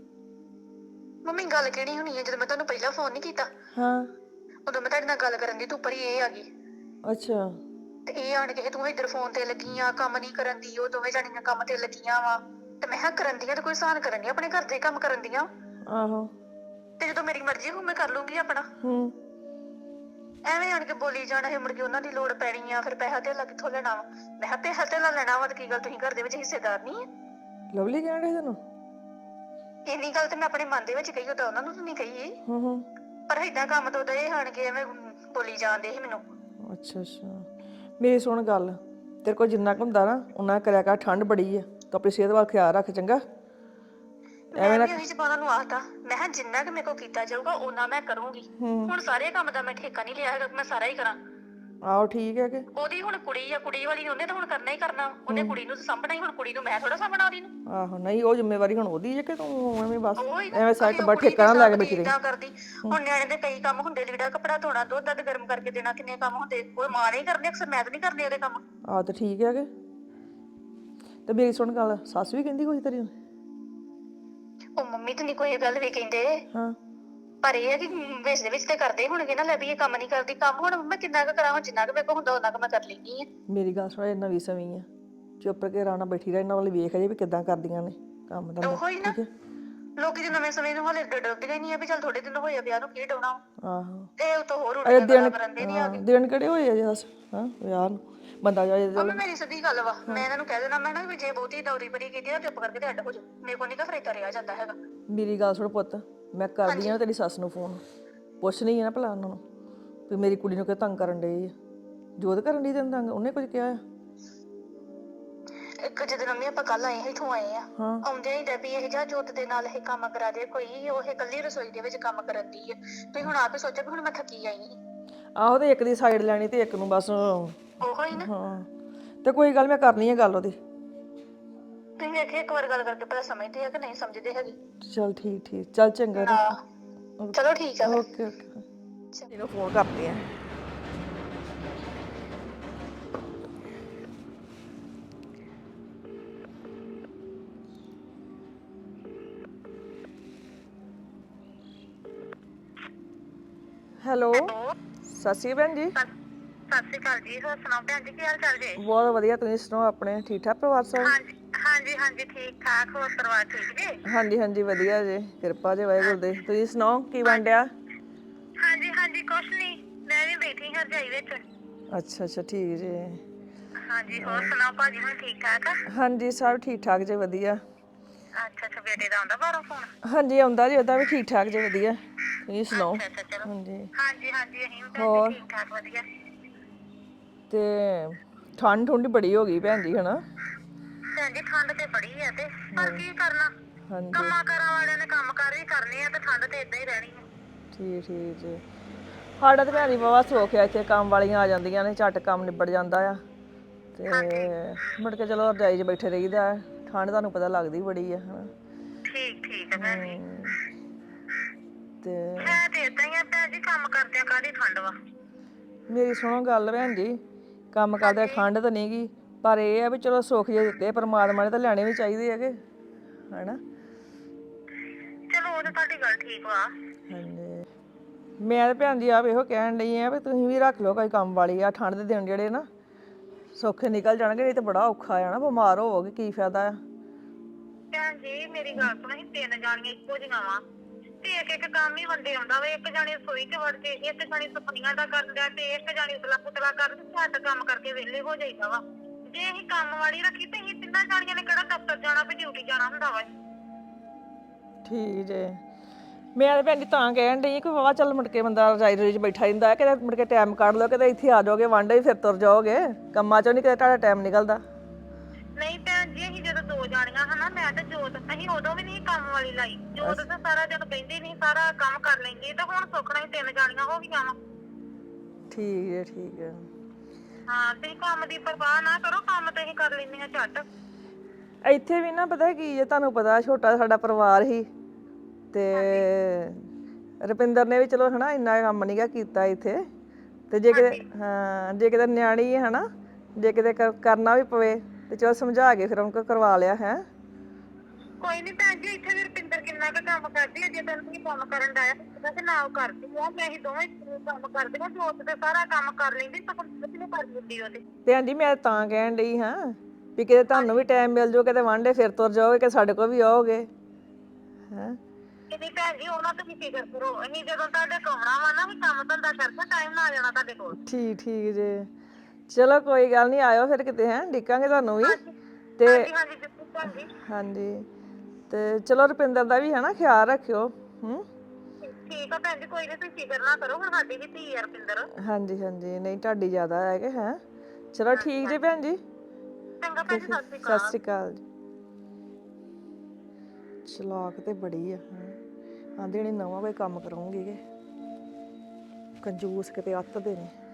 [SPEAKER 1] ਮੰਮੀ ਗੱਲ ਕਿਹੜੀ ਹੋਣੀ ਹੈ? ਜਦੋਂ ਮੈਂ ਤੁਹਾਨੂੰ ਪਹਿਲਾਂ ਫੋਨ ਨਹੀਂ ਕੀਤਾ,
[SPEAKER 7] ਹਾਂ,
[SPEAKER 1] ਉਦੋਂ ਮੈਂ ਤੁਹਾਡੇ ਨਾਲ ਗੱਲ ਕਰਨ ਦੀ, ਤੂੰ ਉੱਪਰ ਹੀ ਇਹ ਆ ਗਈ
[SPEAKER 7] ਅੱਛਾ।
[SPEAKER 1] ਤੇ ਇਹ ਆਣ ਕੇ ਤੂੰ ਇੱਧਰ ਫੋਨ ਤੇ ਲੱਗੀ ਆ, ਕੰਮ ਨਹੀਂ ਕਰਨ ਦੀ। ਉਹ ਦੋਵੇਂ ਜਾਣੀਆਂ ਕੰਮ ਤੇ ਲੱਗੀਆਂ ਵਾ ਤੇ ਮੈਂ ਕਿਹਾ ਕਰਨ ਦੀਆਂ ਤੇ ਕੋਈ ਸਾਨ ਕਰਨ ਦੀ, ਆਪਣੇ ਘਰ ਦੇ ਕੰਮ ਕਰਨ ਦੀਆਂ।
[SPEAKER 7] ਆਹੋ।
[SPEAKER 1] ਤੇ ਜਦੋਂ ਮੇਰੀ ਮਰਜ਼ੀ ਹੋਊ ਮੈਂ ਕਰ ਲੂੰਗੀ ਆਪਣਾ।
[SPEAKER 7] ਹੂੰ।
[SPEAKER 1] ਐਵੇਂ ਆਣ ਕੇ ਬੋਲੀ ਜਾਣਾ ਹੈ, ਮੁੜ ਕੇ ਉਹਨਾਂ ਦੀ ਲੋੜ ਪੈਣੀ ਆ, ਫਿਰ ਪੈਸਾ ਧੇਲਾ ਕਿੱਥੋਂ ਲੈਣਾ ਵਾ? ਮੈਂ ਕਿਹਾ ਪੈਸਾ ਧੇਲਾ ਲੈਣਾ ਵਾ ਤੇ ਕੀ ਗੱਲ ਤੁਸੀਂ ਘਰ ਦੇ ਵਿੱਚ ਹਿੱਸੇਦਾਰ ਨਹੀਂ ਹੈ?
[SPEAKER 7] ਲਵਲੀ ਕਹਿਣ ਡਈ ਤੈਨੂੰ?
[SPEAKER 1] ਇੰਨੀ ਗੱਲ ਤੇ ਮੈਂ ਆਪਣੇ ਮਨ ਦੇ ਵਿੱਚ ਕਹੀ, ਉਹ ਤਾਂ ਉਹਨਾਂ ਨੂੰ ਨਹੀਂ ਕਹੀ।
[SPEAKER 7] ਹੂੰ।
[SPEAKER 1] ਪਰ ਏਦਾਂ ਕੰਮ ਤੋਂ ਤਾਂ ਇਹ ਆਣ ਕੇ ਐਵੇਂ ਬੋਲੀ ਜਾਂਦੇ ਸੀ ਮੈਨੂੰ।
[SPEAKER 7] ਅੱਛਾ ਅੱਛਾ, ਮੇਰੀ ਸੁਣ ਗੱਲ, ਤੇਰੇ ਕੋਲ ਜਿੰਨਾ ਕੁ ਹੁੰਦਾ ਨਾ ਉਹਨਾਂ ਕਰਿਆ ਕਰ। ਠੰਡ ਬੜੀ ਆ, ਤੂੰ ਆਪਣੀ ਸਿਹਤ ਵੱਲ ਖਿਆਲ ਰੱਖ, ਚੰਗਾ?
[SPEAKER 1] ਮੈਂ ਵੀ ਉਹੀ ਜ਼ਬਾਨਾਂ ਨੂੰ ਆਖਤਾ, ਮੈਂ ਕਿਹਾ ਜਿੰਨਾ ਕਿ ਮੇਰੇ ਕੋਲ ਕੀਤਾ ਜਾਊਗਾ ਉਹਨਾਂ ਮੈਂ ਕਰੂੰਗੀ। ਹੁਣ ਸਾਰੇ ਕੰਮ ਦਾ ਮੈਂ ਠੇਕਾ ਨਹੀਂ ਲਿਆ ਹੈਗਾ ਕਿ ਮੈਂ ਸਾਰਾ ਹੀ ਕਰਾਂ।
[SPEAKER 7] ਆਹੋ ਠੀਕ ਹੈ ਕਿ
[SPEAKER 1] ਉਹਦੀ ਹੁਣ ਕੁੜੀ ਆ, ਕੁੜੀ ਵਾਲੀ ਉਹਨੇ ਤਾਂ ਹੁਣ ਕਰਨਾ ਹੀ ਕਰਨਾ। ਉਹਨੇ ਕੁੜੀ ਨੂੰ ਤਾਂ ਸਾਂਭਣਾ ਹੀ, ਹੁਣ ਕੁੜੀ ਨੂੰ ਮੈਂ ਥੋੜਾ ਸਾਂਭਣਾ ਉਹਦੀ ਨੂੰ।
[SPEAKER 7] ਆਹੋ, ਨਹੀਂ ਉਹ ਜ਼ਿੰਮੇਵਾਰੀ ਹੁਣ ਉਹਦੀ ਹੈ ਕਿ ਤੂੰ ਐਵੇਂ ਬਸ
[SPEAKER 1] ਉਹੀ ਨਾ,
[SPEAKER 7] ਐਵੇਂ ਸਾਈਡ
[SPEAKER 1] ਅਸੀਂ ਉਹ
[SPEAKER 7] ਬਾ
[SPEAKER 1] ਕੁੜੀ
[SPEAKER 7] ਠੇਕਾ ਨਾ
[SPEAKER 1] ਦੀ
[SPEAKER 7] ਲੈ ਕੇ
[SPEAKER 1] ਸਾਂਭਦੀ
[SPEAKER 7] ਬੈਠੀ ਰਹੀ।
[SPEAKER 1] ਏਦਾਂ ਕਰਦੀ। ਹੁਣ ਨਿਆਣੇ ਦੇ ਕਈ ਕੰਮ ਹੁੰਦੇ, ਲੀੜਾ ਕੱਪੜਾ ਧੋਣਾ, ਦੁੱਧ ਦੱਧ ਗਰਮ ਕਰਕੇ ਦੇਣਾ, ਕਿੰਨੇ ਕੰਮ ਹੁੰਦੇ। ਉਹ ਮਾਂ ਨਹੀਂ ਕਰਨੇ ਅਕਸਰ, ਮੈਂ ਤਾਂ ਨਹੀਂ ਕਰਨੇ ਉਹਦੇ ਕੰਮ।
[SPEAKER 7] ਆਹ ਤਾਂ ਠੀਕ ਹੈ ਕਿ। ਤੇ ਮੇਰੀ ਸੁਣ ਗੱਲ, ਸੱਸ ਵੀ ਕਹਿੰਦੀ ਕੁਝ ਤੇਰੀ?
[SPEAKER 1] ਉਹ ਮੰਮੀ ਤੇ ਨਹੀਂ ਕੋਈ ਗੱਲ ਵੀ ਕਹਿੰਦੇ,
[SPEAKER 7] ਹਾਂ।
[SPEAKER 1] ਪਰ ਇਹ ਹੈ ਕਿ ਵਿੱਚ ਦੇ ਵਿੱਚ ਤੇ ਕਰਦੇ ਹੋਣਗੇ ਨਾ, ਲੈ ਵੀ ਇਹ ਕੰਮ ਨਹੀਂ ਕਰਦੀ। ਕੰਮ ਹੁਣ ਮੈਂ ਕਿੰਨਾ ਕੁ ਕਰਾਂ, ਜਿੰਨਾ ਕੁ ਮੇਰੇ ਕੋਲ ਹੁੰਦਾ ਉਹਨਾਂ ਕੁ ਮੈਂ ਕਰ ਲੈਂਦੀ ਆ।
[SPEAKER 7] ਮੇਰੀ ਗੱਲ ਸੁਣ, ਇਹ ਨਵੀਂ ਸਵੀਂ ਆ, ਚੁੱਪ ਕੇ ਆਰਾਮ ਨਾਲ ਬੈਠੀ ਰਹਿ, ਇਹਨਾਂ ਵੱਲ ਵੇਖ ਅਜੇ ਵੀ ਕਿੱਦਾਂ ਕਰਦੀਆਂ ਨੇ ਕੰਮ ਧੰਦਾ,
[SPEAKER 1] ਉਹੋ ਹੀ ਨਾ,
[SPEAKER 7] ਠੀਕ ਹੈ?
[SPEAKER 1] ਲੋਕੀ ਤੇ ਨਵੇਂ ਸਮੇਂ ਨੂੰ ਹਲੇ ਡਰਦੇ ਹੀ ਨਹੀਂ ਆ ਵੀ ਚੱਲ ਥੋੜੇ ਦਿਨ ਹੋਏ ਆ ਵਿਆਹ ਨੂੰ, ਕੀ ਡਾਉਣਾ।
[SPEAKER 7] ਆਹੋ।
[SPEAKER 1] ਤੇ ਉਤੋਂ ਹੋਰ
[SPEAKER 7] ਅਜੇ
[SPEAKER 1] ਉਲਟੀਆਂ ਗੱਲਾਂ
[SPEAKER 7] ਦਿਨ,
[SPEAKER 1] ਕਰਨ ਦੇ ਨਹੀਂ ਆ ਗਏ।
[SPEAKER 7] ਦਿਨ ਕਿਹੜੇ ਹੋਏ ਆ ਜਸ ਹਾਂ ਵਿਆਹ ਨੂੰ? ਬੰਦਾ ਜਾਏ ਚੱਲ।
[SPEAKER 1] ਉਹ ਮੇਰੀ ਸਿੱਧੀ ਗੱਲ ਵਾ, ਮੈਂ ਇਹਨਾਂ ਨੂੰ ਕਹਿ ਦੇਣਾ, ਮੈਂ ਨਾ ਵੀ ਜੇ ਬਹੁਤੀ ਦੌਰੀ ਬਰੀ ਕੀਤੀ ਨਾ, ਚੁੱਪ ਕਰਕੇ ਤੇ ਅੱਡ ਹੋ ਜਾ। ਮੇਰੇ ਕੋਲ ਨਹੀਂ ਤਾਂ ਫਰੇਤਾ ਰਿਹਾ ਜਾਂਦਾ ਹੈਗਾ।
[SPEAKER 7] ਮੇਰੀ ਗੱਲ ਸੁਣ ਪੁੱਤ, ਮੈਂ ਕਰਦੀ ਆ ਤੇਰੀ ਸੱਸ ਨੂੰ ਫੋਨ, ਪੁੱਛਣੀ ਆ ਨਾ ਭਲਾ ਉਹਨਾਂ ਨੂੰ ਵੀ ਮੇਰੀ ਕੁੜੀ ਨੂੰ ਕਿ ਤੰਗ ਕਰਨ ਡਈ ਆ। ਜੋਤ ਕਰਨ ਡਈ ਤੈਨੂੰ ਤੰਗ? ਉਹਨੇ ਕੁਝ ਕਿਹਾ ਆ?
[SPEAKER 1] ਇੱਕ ਜਦੋਂ ਮੰਮੀ ਆਪਾਂ ਕੱਲ ਆਏ ਇੱਥੋਂ ਆਏ ਆ, ਆਉਂਦੇ ਹੀ ਡੱਬੀ ਇਹ ਜਾ ਜੋਤ ਦੇ ਨਾਲ ਇਹ ਕੰਮ ਕਰਾ ਦੇ ਕੋਈ, ਉਹ ਇਕੱਲੀ ਰਸੋਈ ਦੇ ਵਿੱਚ ਕੰਮ ਕਰਨ ਦੀ ਆ। ਤੁਸੀਂ ਹੁਣ ਆਪ ਹੀ ਸੋਚੋ ਵੀ ਹੁਣ ਮੈਂ ਥੱਕੀ ਆਈ ਆ।
[SPEAKER 7] ਆਹੋ, ਤੇ ਇੱਕ ਦੀ ਸਾਈਡ ਲੈਣੀ ਤੇ ਇੱਕ ਨੂੰ ਬਸ।
[SPEAKER 1] ਉਹੋ ਹੀ ਨਾ।
[SPEAKER 7] ਹਾਂ, ਤੇ ਕੋਈ ਗੱਲ, ਮੈਂ ਕਰਨੀ ਆ ਗੱਲ ਉਹਦੀ।
[SPEAKER 1] ਤੁਸੀਂ ਵੇਖੇ ਇੱਕ ਵਾਰ ਗੱਲ ਕਰਕੇ ਪਤਾ ਸਮਝਦੇ ਆ ਕਿ ਨਹੀਂ ਸਮਝਦੇ ਹੈਗੇ।
[SPEAKER 7] ਚੱਲ ਠੀਕ ਠੀਕ, ਚੱਲ ਚੰਗਾ।
[SPEAKER 1] ਚਲੋ ਠੀਕ ਆ।
[SPEAKER 7] ਓਕੇ ਓਕੇ, ਇਹਨੂੰ ਫੋਨ ਕਰਦੀ ਆ। ਹੈਲੋ, ਸਤਿ ਸ਼੍ਰੀ ਅਕਾਲ ਭੈਣ ਜੀ।
[SPEAKER 1] ਸਤਿ ਸ਼੍ਰੀ ਅਕਾਲ ਜੀ, ਹੋਰ ਸੁਣਾਓ ਭੈਣ ਜੀ, ਕੀ ਹਾਲ ਚਾਲ ਜੀ?
[SPEAKER 7] ਬਹੁਤ ਵਧੀਆ, ਤੁਸੀਂ ਸੁਣਾਓ ਆਪਣੇ? ਠੀਕ ਠਾਕ ਪਰਿਵਾਰ ਸਭ?
[SPEAKER 1] ਹਾਂਜੀ ਠੀਕ ਠਾਕ, ਹੋਰ ਪਰਿਵਾਰ ਠੀਕ ਜੀ?
[SPEAKER 7] ਹਾਂਜੀ ਹਾਂਜੀ ਵਧੀਆ ਜੀ, ਕਿਰਪਾ ਜੀ ਵਾਹਿਗੁਰੂ ਦੀ। ਤੁਸੀਂ ਸੁਣਾਓ ਕੀ ਬਣ ਡਿਆ?
[SPEAKER 1] ਹਾਂਜੀ ਕੁਛ ਨਹੀਂ, ਮੈਂ ਵੀ ਬੈਠੀ ਹਾਂ ਰਜਾਈ ਵਿੱਚ।
[SPEAKER 7] ਅੱਛਾ ਅੱਛਾ, ਠੀਕ ਜੀ।
[SPEAKER 1] ਹਾਂਜੀ, ਹੋਰ ਸੁਣਾਓ ਭਾਜੀ ਹੁਣ ਠੀਕ ਠਾਕ ਆ?
[SPEAKER 7] ਹਾਂਜੀ ਸਭ ਠੀਕ ਠਾਕ ਜੀ, ਵਧੀਆ।
[SPEAKER 1] ਅੱਛਾ ਬੇਟੇ ਦਾ ਆਉਂਦਾ ਬਾਹਰੋਂ ਫੋਨ?
[SPEAKER 7] ਹਾਂਜੀ ਆਉਂਦਾ ਜੀ, ਉਹਦਾ ਵੀ ਠੀਕ ਠਾਕ ਜੀ, ਵਧੀਆ। ਤੁਸੀਂ ਸੁਣਾਓ?
[SPEAKER 1] ਅੱਛਾ ਚਲੋ।
[SPEAKER 7] ਹਾਂਜੀ
[SPEAKER 1] ਹਾਂਜੀ ਅਸੀਂ ਵੀ
[SPEAKER 7] ਹੋਰ?
[SPEAKER 1] ਠੀਕ ਠਾਕ ਵਧੀਆ।
[SPEAKER 7] ਤੇ ਠੰਡ ਠੁੰਡ ਬੜੀ ਹੋ ਗਈ ਭੈਣ ਜੀ, ਹਨਾ?
[SPEAKER 1] ਭੈਣ ਜੀ ਠੰਡ ਤੇ ਬੜੀ ਆ, ਤੇ ਪਰ ਕੀ ਕਰਨਾ,
[SPEAKER 7] ਹਾਂਜੀ
[SPEAKER 1] ਕੰਮਾਂ ਕਾਰਾਂ ਵਾਲਿਆਂ ਨੇ ਕੰਮ ਕਾਰ ਵੀ ਕਰਨੇ ਆ, ਤੇ ਠੰਡ ਤੇ ਏਦਾਂ ਹੀ ਰਹਿਣੀ ਆ।
[SPEAKER 7] ਠੀਕ ਠੀਕ ਜੀ। ਸਾਡਾ ਤੇ ਭੈਣ ਜੀ ਬਾਬਾ ਸੌਖ ਆ, ਇੱਥੇ ਕੰਮ ਵਾਲੀਆਂ ਆ ਜਾਂਦੀਆਂ ਨੇ, ਝੱਟ ਕੰਮ ਨਿਬੜ ਜਾਂਦਾ ਆ। ਤੇ ਮੁੜ ਕੇ ਚਲੋ ਰਜਾਈ 'ਚ ਬੈਠੇ ਰਹੀਦਾ। ਠੰਡ ਤੁਹਾਨੂੰ ਪਤਾ ਲੱਗਦੀ ਬੜੀ ਆ, ਹਨਾ?
[SPEAKER 1] ਠੀਕ ਆ ਭੈਣ ਜੀ।
[SPEAKER 7] ਤੇ
[SPEAKER 1] ਮੈਂ ਤੇ ਏਦਾਂ ਹੀ ਆ ਭੈਣ ਜੀ, ਕੰਮ ਕਰਦਿਆਂ ਕਾਹਦੀ ਠੰਡ ਵਾ।
[SPEAKER 7] ਮੇਰੀ ਸੁਣੋ ਗੱਲ ਭੈਣ ਜੀ, ਕੰਮ ਕਰਦੇ ਠੰਡ ਤਾਂ ਨਹੀਂ ਗੀ, ਪਰ ਇਹ ਆ ਵੀ ਚਲੋ ਸੁੱਖ ਜੇ ਦਿੱਤੇ ਪਰਮਾਤਮਾ ਨੇ ਤਾਂ ਲੈਣੇ ਵੀ ਚਾਹੀਦੇ ਹੈਗੇ, ਹਨਾ?
[SPEAKER 1] ਚਲੋ ਉਹ ਤਾਂ ਤੁਹਾਡੀ ਗੱਲ ਠੀਕ ਵਾ।
[SPEAKER 7] ਹਾਂਜੀ, ਮੈਂ ਤਾਂ ਭੈਣ ਜੀ ਆਪ ਇਹੋ ਕਹਿਣ ਡਈ ਆ ਵੀ ਤੁਸੀਂ ਵੀ ਰੱਖ ਲਓ ਕੋਈ ਕੰਮ ਵਾਲੀ ਆ। ਠੰਡ ਦੇ ਦਿਨ ਜਿਹੜੇ ਨਾ ਸੌਖੇ ਨਿਕਲ ਜਾਣਗੇ, ਨਹੀਂ ਤਾਂ ਬੜਾ ਔਖਾ ਆ ਨਾ, ਬਿਮਾਰ ਹੋਵੋਗੇ ਕੀ ਫਾਇਦਾ ਆ।
[SPEAKER 1] ਭੈਣ ਜੀ ਮੇਰੀ ਗੱਲ ਸੁਣੋ, ਅਸੀਂ 3 ਜਾਣੀਆਂ ਇੱਕੋ ਜਿਹੀਆਂ ਵਾ, ਤੇ ਇੱਕ ਕੰਮ ਹੀ ਵੰਡੇ ਆਉਂਦਾ ਵਾ। ਇੱਕ ਜਾਣੀ ਰਸੋਈ 'ਚ ਵੜ ਕੇ, ਇੱਕ ਜਾਣੀ ਸਫਾਈਆਂ ਦਾ ਕਰਦਾ, ਤੇ ਇੱਕ ਜਾਣੀ ਉਤਲਾ ਪੁਤਲਾ ਕਰ, ਝੱਟ ਕੰਮ ਕਰਕੇ ਵਿਹਲੇ ਹੋ ਜਾਈਦਾ ਵਾ। ਜੇ ਅਸੀਂ ਕੰਮ ਵਾਲੀ ਰੱਖੀ ਤੇ ਅਸੀਂ 3 ਜਾਣੀਆਂ ਨੇ ਕਿਹੜਾ ਦਫ਼ਤਰ ਜਾਣਾ ਵੀ ਡਿਊਟੀ ਜਾਣਾ ਹੁੰਦਾ ਵਾ।
[SPEAKER 7] ਠੀਕ ਜੇ। ਮੈਂ ਤਾਂ ਭੈਣ ਜੀ ਤਾਂ ਕਹਿਣ ਡਈ ਕਿ ਵਾਵਾ ਚੱਲ ਮੁੜ ਕੇ ਬੰਦਾ ਰਜਾਈ ਰਜਾਈ 'ਚ ਬੈਠਾ ਰਹਿੰਦਾ ਹੈ, ਕਿਤੇ ਮੁੜ ਕੇ ਟਾਈਮ ਕੱਢ ਲਓ, ਕਿਤੇ ਇੱਥੇ ਆ ਜਾਓਗੇ ਵਾਂਡੇ ਫਿਰ ਤੁਰ ਜਾਓਗੇ ਕੰਮਾਂ 'ਚੋਂ, ਨਹੀਂ ਕਿਤੇ ਤੁਹਾਡਾ ਟਾਈਮ ਨਿਕਲਦਾ।
[SPEAKER 1] ਨਹੀਂ ਭੈਣ ਜੀ, ਅਸੀਂ ਜਦੋਂ 2 ਜਾਣੀਆਂ ਹਨਾ, ਮੈਂ ਤੇ ਜੋਤ, ਅਸੀਂ ਉਦੋਂ ਵੀ ਨਹੀਂ ਕੰਮ ਵਾਲੀ ਲਾਈ। ਜੋਤ ਤਾਂ ਸਾਰਾ ਦਿਨ ਬਹਿੰਦੀ ਨਹੀਂ, ਸਾਰਾ ਕੰਮ ਕਰ ਲੈਂਦੀ, ਤੇ ਹੁਣ ਸੁੱਖਣਾ ਹੀ 3 ਜਾਣੀਆਂ ਹੋ ਗਈਆਂ ਵਾ।
[SPEAKER 7] ਠੀਕ ਹੈ ਠੀਕ ਹੈ।
[SPEAKER 1] ਹਾਂ, ਤੁਸੀਂ ਕੰਮ ਦੀ ਪਰਵਾਹ ਨਾ ਕਰੋ, ਕੰਮ ਤੇ ਅਸੀਂ ਕਰ ਲੈਂਦੇ ਹਾਂ ਝੱਟ।
[SPEAKER 7] ਇੱਥੇ ਵੀ ਨਾ ਪਤਾ ਕੀ ਹੈ, ਤੁਹਾਨੂੰ ਪਤਾ ਛੋਟਾ ਸਾਡਾ ਪਰਿਵਾਰ ਹੀ ਤੇ ਰੁਪਿੰਦਰ ਨੇ ਵੀ ਚਲੋ ਹਨਾ ਇੰਨਾ ਕੰਮ ਨਹੀਂਗਾ ਕੀਤਾ ਇੱਥੇ ਤੇ ਜੇ ਕਿਤੇ ਹਾਂ ਜੇ ਕਿਤੇ ਨਿਆਣੀ ਹੈ ਹਨਾ ਜੇ ਕਿਤੇ ਕਰਨਾ ਵੀ ਪਵੇ ਤੇ ਚਲੋ ਸਮਝਾ ਕੇ ਫਿਰ ਉਹਨਾਂ ਕੋਲ ਕਰਵਾ ਲਿਆ ਹੈ।
[SPEAKER 8] ਕੋਈ ਨਹੀਂ ਭੈਣ ਜੀ, ਇੱਥੇ ਵੀ ਰੁਪਿੰਦਰ ਕਿੰਨਾ ਕੁ ਕੰਮ ਕਰਦੀ ਹੈ। ਜੇ ਤੈਨੂੰ ਵੀ ਕੰਮ ਕਰਨ ਦਾ ਹੈ ਤੇ ਨਾ ਉਹ ਕਰਦੀ ਆ। ਮੈਂ ਹੀ ਦੋਵੇਂ ਕੰਮ ਕਰਦੀਆਂ, ਜੋਤ ਤੇ ਸਾਰਾ ਕੰਮ ਕਰ ਲੈਂਦੀ, ਸਗੋਂ ਕੁਝ ਨਹੀਂ ਕਰ ਦਿੰਦੀ ਉਹਦੇ।
[SPEAKER 7] ਭੈਣ ਜੀ ਮੈਂ ਤਾਂ ਕਹਿਣ ਡਈ ਹਾਂ ਵੀ ਕਿਤੇ ਤੁਹਾਨੂੰ ਵੀ ਟਾਈਮ ਮਿਲ ਜਾਓ, ਕਿਤੇ ਵਾਂਢੇ ਫਿਰ ਤੁਰ ਜਾਓਗੇ ਕਿ ਸਾਡੇ ਕੋਲ ਵੀ ਆਓਗੇ ਹੈ।
[SPEAKER 8] ਨਹੀਂ ਭੈਣ ਜੀ, ਉਹਨਾਂ ਤੋਂ ਵੀ ਫਿਕਰ ਕਰੋ। ਅਸੀਂ ਜਦੋਂ ਤੁਹਾਡੇ ਕੋਲ ਆਉਣਾ ਵਾ ਨਾ, ਵੀ ਕੰਮ ਧੰਦਾ ਕਰਕੇ ਟਾਈਮ ਨਾਲ ਆ ਜਾਣਾ ਤੁਹਾਡੇ ਕੋਲ।
[SPEAKER 7] ਠੀਕ ਜੇ ਚਲੋ ਕੋਈ ਗੱਲ ਨਹੀਂ, ਆਇਓ ਫਿਰ ਕਿਤੇ ਹੈ, ਡਿੱਕਾਂਗੇ ਤੁਹਾਨੂੰ ਵੀ ਤੇ
[SPEAKER 8] ਹਾਂਜੀ ਹਾਂਜੀ ਬਿਲਕੁਲ ਭੈਣ ਜੀ।
[SPEAKER 7] ਹਾਂਜੀ ਤੇ ਚਲੋ ਰੁਪਿੰਦਰ ਦਾ ਵੀ ਹੈ ਨਾ ਖਿਆਲ ਰੱਖਿਓ।
[SPEAKER 8] ਠੀਕ ਆ ਭੈਣ ਜੀ, ਕੋਈ ਨਹੀਂ, ਤੁਸੀਂ ਫਿਕਰ ਨਾ ਕਰੋ। ਹੁਣ ਸਾਡੀ ਵੀ ਧੀ ਆ ਰੁਪਿੰਦਰ।
[SPEAKER 7] ਹਾਂਜੀ ਨਹੀਂ ਤੁਹਾਡੀ ਜ਼ਿਆਦਾ ਹੈਗੇ ਹੈ। ਚਲੋ ਠੀਕ ਜੇ ਭੈਣ ਜੀ।
[SPEAKER 8] ਚੰਗਾ ਭੈਣ ਜੀ, ਸਤਿ ਸ਼੍ਰੀ
[SPEAKER 7] ਸਤਿ
[SPEAKER 8] ਅਕਾਲ।
[SPEAKER 7] ਸ਼੍ਰੀ ਅਕਾਲ ਜੀ। ਚਲਾਕ ਤੇ ਬੜੀ ਆ ਆਂਦੇ ਨੇ ਨਵਾਂ ਕੋਈ ਕੰਮ ਕਰਾਉਂਗੀ ਕਿ ਕੰਜੂਸ ਕਿਤੇ ਅੱਤ ਦੇ ਨੇ।